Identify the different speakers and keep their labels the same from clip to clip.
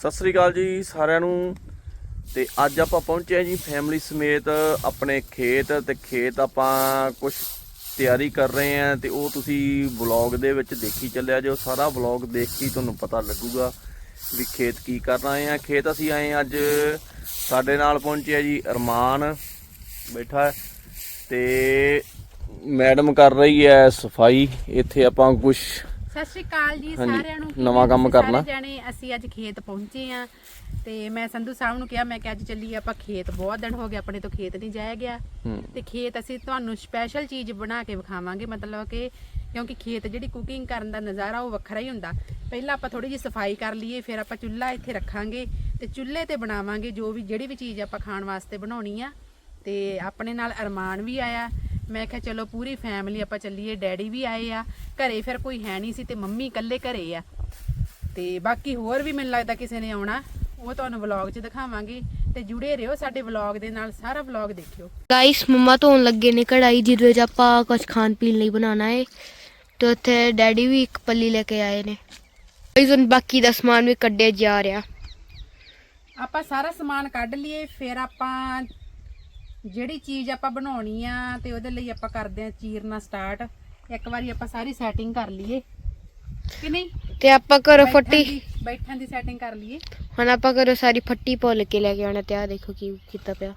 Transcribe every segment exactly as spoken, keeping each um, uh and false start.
Speaker 1: सत श्री अकाल जी सारिਆਂ ਨੂੰ। ਤੇ ਅੱਜ ਆਪਾਂ ਪਹੁੰਚੇ ਜੀ ਫੈਮਿਲੀ ਸਮੇਤ ਆਪਣੇ ਖੇਤ ਤੇ ਖੇਤ ਆਪਾਂ ਕੁਝ ਤਿਆਰੀ ਕਰ ਰਹੇ ਆਂ ਤੇ ਉਹ ਤੁਸੀਂ ਵਲੌਗ ਦੇ ਵਿੱਚ ਦੇਖੀ ਚੱਲਿਆ ਜੋ ਸਾਰਾ ਵਲੌਗ ਦੇਖ ਕੇ ਤੁਹਾਨੂੰ ਪਤਾ ਲੱਗੂਗਾ ਵੀ ਖੇਤ ਕੀ ਕਰ ਰਹੇ ਆਂ। ਖੇਤ ਅਸੀਂ ਆਏ ਅੱਜ ਸਾਡੇ ਨਾਲ ਪਹੁੰਚਿਆ ਜੀ ਅਰਮਾਨ ਬੈਠਾ ਤੇ ਮੈਡਮ ਕਰ ਰਹੀ ਹੈ ਸਫਾਈ। ਇੱਥੇ ਆਪਾਂ ਕੁਝ
Speaker 2: ਸਤਿ ਸ਼੍ਰੀ ਅਕਾਲ ਜੀ ਸਾਰਿਆਂ ਨੂੰ।
Speaker 1: ਨਵਾਂ ਕੰਮ ਕਰਨਾ
Speaker 2: ਜਾਣੇ ਅਸੀਂ ਅੱਜ ਖੇਤ ਪਹੁੰਚੇ ਆ ਤੇ ਮੈਂ ਸੰਧੂ ਸਾਹਿਬ ਨੂੰ ਕਿਹਾ ਮੈਂ ਕਿ ਅੱਜ ਚੱਲੀਏ ਆਪਾਂ ਖੇਤ। ਬਹੁਤ ਦਿਨ ਹੋ ਗਏ ਆਪਣੇ ਤੋਂ ਖੇਤ ਨਹੀਂ ਜਾਇਆ ਗਿਆ ਤੇ ਖੇਤ ਅਸੀਂ ਤੁਹਾਨੂੰ ਸਪੈਸ਼ਲ ਚੀਜ਼ ਬਣਾ ਕੇ ਵਿਖਾਵਾਂਗੇ। ਮਤਲਬ ਕਿ ਕਿਉਂਕਿ ਖੇਤ ਜਿਹੜੀ ਕੁਕਿੰਗ ਕਰਨ ਦਾ ਨਜ਼ਾਰਾ ਉਹ ਵੱਖਰਾ ਹੀ ਹੁੰਦਾ। ਪਹਿਲਾਂ ਆਪਾਂ ਥੋੜੀ ਜਿਹੀ ਸਫਾਈ ਕਰ ਲਈਏ, ਫਿਰ ਆਪਾਂ ਚੁੱਲ੍ਹਾ ਇੱਥੇ ਰੱਖਾਂਗੇ ਤੇ ਚੁੱਲ੍ਹੇ ਤੇ ਬਣਾਵਾਂਗੇ ਜੋ ਵੀ ਜਿਹੜੀ ਵੀ ਚੀਜ਼ ਆਪਾਂ ਖਾਣ ਵਾਸਤੇ ਬਣਾਉਣੀ ਆ। ਤੇ ਆਪਣੇ ਨਾਲ ਅਰਮਾਨ ਵੀ ਆਇਆ। ਮੈਂ ਕਿਹਾ ਚਲੋ ਪੂਰੀ ਫੈਮਿਲੀ ਆਪਾਂ ਚੱਲੀਏ। ਡੈਡੀ ਵੀ ਆਏ ਆ ਘਰੇ, ਫਿਰ ਕੋਈ ਹੈ ਨਹੀਂ ਸੀ ਤੇ ਮੰਮੀ ਇਕੱਲੇ ਘਰੇ ਆ ਤੇ ਬਾਕੀ ਹੋਰ ਵੀ ਮੈਨੂੰ ਲੱਗਦਾ ਕਿਸੇ ਨੇ ਆਉਣਾ, ਉਹ ਤੁਹਾਨੂੰ ਵਲੌਗ 'ਚ ਦਿਖਾਵਾਂਗੇ ਤੇ ਜੁੜੇ ਰਹੋ ਸਾਡੇ ਵਲੌਗ ਦੇ ਨਾਲ। ਸਾਰਾ ਵਲੌਗ ਦੇਖਿਓ।
Speaker 3: ਗਾਇਸ ਮੰਮਾ ਧੋਣ ਲੱਗੇ ਨੇ ਕੜਾਈ ਜਿਹਦੇ ਵਿੱਚ ਆਪਾਂ ਕੁਝ ਖਾਣ ਪੀਣ ਲਈ ਬਣਾਉਣਾ ਹੈ ਤੇ ਉੱਥੇ ਡੈਡੀ ਵੀ ਇੱਕ ਪੱਲੀ ਲੈ ਕੇ ਆਏ ਨੇ। ਗਾਇਸ ਹੁਣ ਬਾਕੀ ਦਾ ਸਮਾਨ ਵੀ ਕੱਢਿਆ ਜਾ ਰਿਹਾ।
Speaker 2: ਆਪਾਂ ਸਾਰਾ ਸਮਾਨ ਕੱਢ ਲਈਏ, ਫਿਰ ਆਪਾਂ ਜਿਹੜੀ ਚੀਜ਼ ਆਪਾਂ ਬਣਾਉਣੀ ਆ ਤੇ ਉਹਦੇ ਲਈ ਆਪਾਂ ਕਰਦੇ ਆ ਚੀਰਨਾ ਸਟਾਰਟ। ਇੱਕ ਵਾਰੀ ਆਪਾਂ ਸਾਰੀ ਸੈਟਿੰਗ ਕਰ ਲਈਏ ਕਿ ਨਹੀਂ
Speaker 3: ਤੇ ਆਪਾਂ ਘਰੋਂ ਫੱਟੀ
Speaker 2: ਬੈਠਣ ਦੀ ਸੈਟਿੰਗ ਕਰ ਲਈਏ।
Speaker 3: ਹੁਣ ਆਪਾਂ ਘਰੋਂ ਸਾਰੀ ਫੱਟੀ ਭੁੱਲ ਕੇ ਲੈ ਕੇ ਆਉਣਾ ਤੇ ਆ ਦੇਖੋ ਕੀ ਕੀਤਾ ਪਿਆ।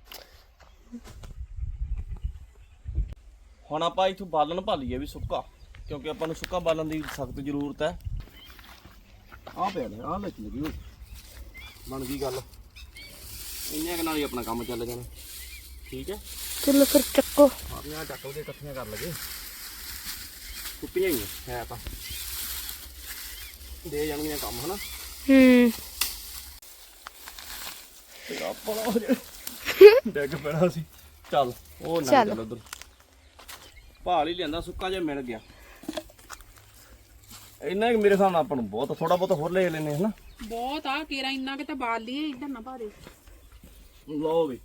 Speaker 1: ਹੁਣ ਆਪਾਂ ਇਥੋਂ ਬਾਲਣ ਭਾਲੀਏ ਵੀ ਸੁੱਕਾ, ਕਿਉਂਕਿ ਆਪਾਂ ਨੂੰ ਸੁੱਕਾ ਬਾਲਣ ਦੀ ਸਖਤ ਜ਼ਰੂਰਤ ਹੈ। ਆਹ ਪਿਆ ਲੈ, ਆਹ ਲੈ ਲੱਗੀ ਹੋਈ ਬਣ ਗਈ ਗੱਲ। ਇੰਨੇ ਕੁ ਨਾਲ ਹੀ ਆਪਣਾ ਕੰਮ ਚੱਲ ਜਾਣਾ। ਠੀਕ ਹੈ
Speaker 3: ਚਲੋ ਫਿਰ ਚੱਕੋ।
Speaker 1: ਆਪਣੀਆਂ ਚੱਕ ਕੇ ਇਕੱਠੀਆਂ ਕਰ ਲਗੇ। ਕੁੱਪੀਆਂ ਹੀ ਹੈ ਤਾਂ ਦੇ ਜਾਣਗੀਆਂ ਕੰਮ ਹਨਾ।
Speaker 3: ਹੂੰ
Speaker 1: ਤੇ ਆਪਾਂ ਹੋ ਜੇ ਡੈਗ ਪੈਣਾ ਸੀ। ਚੱਲ ਉਹ ਨਾ ਚੱਲ ਉਧਰ ਭਾਲ ਹੀ ਲਿਆਂਦਾ ਸੁੱਕਾ ਜਿਹਾ ਮਿਲ ਗਿਆ। ਇੰਨਾ ਕਿ ਮੇਰੇ ਹਿਸਾਬ ਨਾਲ ਆਪਾਂ ਨੂੰ ਬਹੁਤ ਥੋੜਾ ਬਹੁਤ ਹੋਰ ਲੈ ਲੈਨੇ ਹਨਾ।
Speaker 2: ਬਹੁਤ ਆ ਕੇਰਾ ਇੰਨਾ ਕਿ ਤਾਂ ਬਾਲ ਲਈਏ, ਇੱਧਰ ਨਾ ਪਾ ਦੇ।
Speaker 1: ਲਓ ਵੀ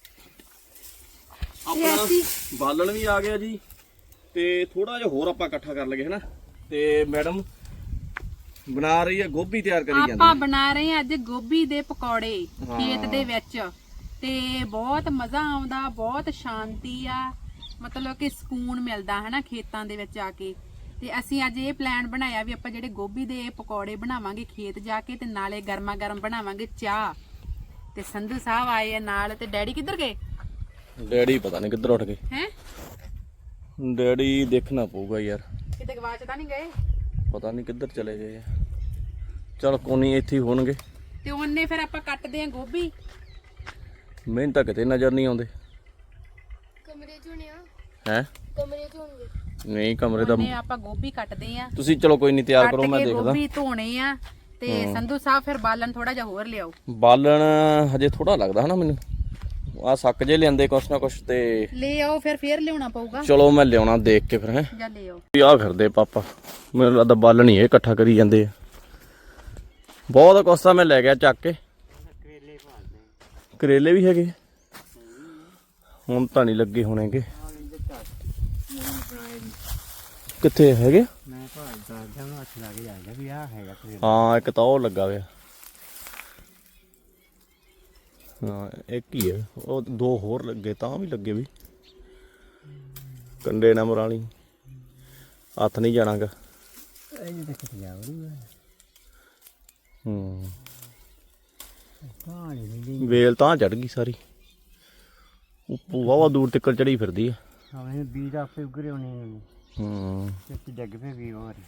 Speaker 1: ਆਪਣਾ ਬਾਲਣ ਵੀ ਆ ਗਿਆ ਜੀ ਤੇ ਥੋੜਾ ਜਿਹਾ ਹੋਰ ਆਪਾਂ ਇਕੱਠਾ ਕਰ ਲਗੇ ਹਨਾ। ਤੇ ਮੈਡਮ ਬਣਾ ਰਹੀ ਹੈ ਗੋਭੀ ਤਿਆਰ ਕਰੀ ਜਾਂਦੀ।
Speaker 2: ਆਪਾਂ ਬਣਾ ਰਹੇ ਆ ਅੱਜ ਗੋਭੀ ਦੇ ਪਕੌੜੇ ਖੇਤ ਦੇ ਵਿੱਚ ਤੇ ਬਹੁਤ ਮਜ਼ਾ ਆਉਂਦਾ, ਬਹੁਤ ਸ਼ਾਂਤੀ ਆ, ਮਤਲਬ ਕਿ ਸਕੂਨ ਮਿਲਦਾ ਹਨਾ ਖੇਤਾਂ ਦੇ ਵਿੱਚ ਆ ਕੇ। ਤੇ ਅਸੀਂ ਅੱਜ ਇਹ ਪਲਾਨ ਬਣਾਇਆ ਵੀ ਆਪਾਂ ਜਿਹੜੇ ਗੋਭੀ ਦੇ ਪਕੌੜੇ ਬਣਾਵਾਂਗੇ ਖੇਤ ਜਾ ਕੇ ਤੇ ਨਾਲੇ ਗਰਮਾ ਗਰਮ ਬਣਾਵਾਂਗੇ ਚਾਹ। ਤੇ ਸੰਧੂ ਸਾਹਿਬ ਆਏ ਆ ਨਾਲ। ਤੇ ਡੈਡੀ ਕਿੱਧਰ ਗਏ?
Speaker 1: ਡੈਡੀ ਪਤਾ ਨਹੀਂ ਕਿੱਧਰ ਉੱਠ ਗਏ
Speaker 2: ਹੈ।
Speaker 1: ਡੈਡੀ ਦੇਖਣਾ ਪਊਗਾ ਯਾਰ,
Speaker 2: ਕਿਤੇ ਗਵਾਚ ਤਾਂ ਨਹੀਂ ਗਏ?
Speaker 1: ਪਤਾ ਨਹੀਂ ਕਿੱਧਰ ਚਲੇ ਗਏ ਆ। ਚਲ ਕੋਨੀ ਇੱਥੇ ਹੀ ਹੋਣਗੇ।
Speaker 2: ਤੇ ਉਹਨੇ ਫਿਰ ਆਪਾਂ ਕੱਟਦੇ ਆ ਗੋਭੀ।
Speaker 1: ਮੈਨੂੰ ਤਾਂ ਕਿਤੇ ਨਜ਼ਰ ਨਹੀਂ ਆਉਂਦੇ।
Speaker 3: ਕਮਰੇ ਚ ਹੋਣੇ ਆ।
Speaker 1: ਹੈ
Speaker 3: ਕਮਰੇ ਚ ਹੋਣਗੇ।
Speaker 1: ਨਹੀਂ ਕਮਰੇ ਦਾ
Speaker 2: ਉਹਨੇ ਆਪਾਂ ਗੋਭੀ ਕੱਟਦੇ ਆ।
Speaker 1: ਤੁਸੀਂ ਚਲੋ ਕੋਈ ਨਹੀਂ ਤਿਆਰ ਕਰੋ, ਮੈਂ
Speaker 2: ਕੱਟ ਕੇ
Speaker 1: ਦੇਖਦਾ।
Speaker 2: ਗੋਭੀ ਧੋਣੇ ਆ ਤੇ ਸੰਧੂ ਸਾਹਿਬ ਫਿਰ ਬਾਲਣ ਥੋੜਾ ਜਿਹਾ ਹੋਰ ਲਿਆਓ।
Speaker 1: ਬਾਲਣ ਹਜੇ ਥੋੜਾ ਲੱਗਦਾ ਹਨਾ ਮੈਨੂੰ। ਆ ਸੱਕ ਜੇ ਲਿਆਂਦੇ ਕੁਛ ਨਾ ਕੁਛ ਤੇ
Speaker 2: ਲੈ ਆਓ, ਫਿਰ ਫੇਰ ਲਿਆਉਣਾ ਪਊਗਾ।
Speaker 1: ਚਲੋ ਮੈਂ ਲਿਆਉਣਾ ਦੇਖ ਕੇ ਫਿਰ। ਹੈ
Speaker 2: ਜਾ ਲੈ ਆਓ।
Speaker 1: ਆ ਫਿਰਦੇ ਪਾਪਾ, ਮੈਨੂੰ ਲੱਗਦਾ ਬਾਲਣ ਹੀ ਇਹ ਇਕੱਠਾ ਕਰੀ ਜਾਂਦੇ ਆ। ਬਹੁਤ ਕੁਛ ਤਾਂ ਮੈਂ ਲੈ ਗਿਆ ਚੱਕ ਕੇ। ਕਰੇਲੇ ਵੀ ਹੈਗੇ ਹੁਣ ਤਾਂ ਨਹੀਂ ਲੱਗੇ ਹੋਣੇਗੇ। ਕਿੱਥੇ ਹੈਗੇ?
Speaker 4: ਮੈਂ ਭਾਲਦਾ ਜਾਂ ਹੱਥ ਲਾ ਕੇ ਜਾਂਦਾ ਵੀ ਆਹ ਹੈਗਾ ਕਰੇਲਾ।
Speaker 1: ਹਾਂ ਇੱਕ ਤਾਂ ਉਹ ਲੱਗਾ ਹੋਇਆ। ਹਾਂ ਇੱਕ ਹੀ ਹੈ, ਉਹ ਦੋ ਹੋਰ ਲੱਗੇ ਤਾਂ ਵੀ ਲੱਗੇ ਵੀ ਕੰਡੇ ਨਾ ਮਰਾਲੀ ਹੱਥ ਨਹੀਂ ਜਾਣਾਗਾ।
Speaker 4: ਇਹ ਦੇਖ ਕੇ ਜਾ ਵਰੂ
Speaker 1: ਹੂੰ
Speaker 4: ਪਾਣੀ ਨਹੀਂ
Speaker 1: ਵੇਲ ਤਾਂ ਚੜ ਗਈ ਸਾਰੀ। ਉਹ ਵਾਵਾ ਦੂਰ ਤੱਕ ਚੜੀ ਫਿਰਦੀ ਆ।
Speaker 4: ਆਵੇਂ ਬੀਜ ਆਪੇ ਉਗਰੇ ਹੋਣੇ ਨੇ।
Speaker 1: ਹੂੰ
Speaker 4: ਤੇ ਡੱਗ ਪਏ ਵੀ ਮਾਰੀ।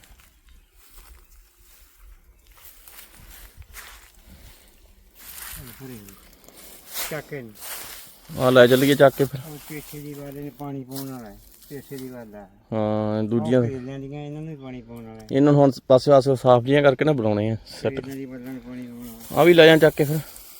Speaker 4: ਚੱਕੇ
Speaker 1: ਆ ਲੈ ਚੱਲੀਏ ਚੱਕ ਕੇ ਫਿਰ।
Speaker 4: ਉਹ ਪੇਛੇ ਦੀ ਵਾਲੇ ਨੇ ਪਾਣੀ ਪਾਉਣ ਵਾਲਾ ਹੈ। ਪੇਛੇ ਦੀ ਵਾਲਾ
Speaker 1: ਹਾਂ ਦੂਜੀਆਂ
Speaker 4: ਕਰੇਲਿਆਂ ਦੀਆਂ ਇਹਨਾਂ ਨੂੰ ਵੀ ਪਾਣੀ ਪਾਉਣ ਵਾਲਾ ਹੈ।
Speaker 1: ਇਹਨਾਂ ਨੂੰ ਹੁਣ ਪਾਸੇ ਪਾਸੇ ਸਾਫ ਜੀਆਂ ਕਰਕੇ ਨਾ ਬਣਾਉਣੇ ਆ ਸੈੱਟ।
Speaker 4: ਇਹਨਾਂ ਦੀ ਬੱਲਾਂ ਨੂੰ ਪਾਣੀ ਪਾਉਣ ਵਾਲਾ।
Speaker 1: ਆ ਵੀ ਲੈ ਜਾਂ ਚੱਕ ਕੇ ਫਿਰ।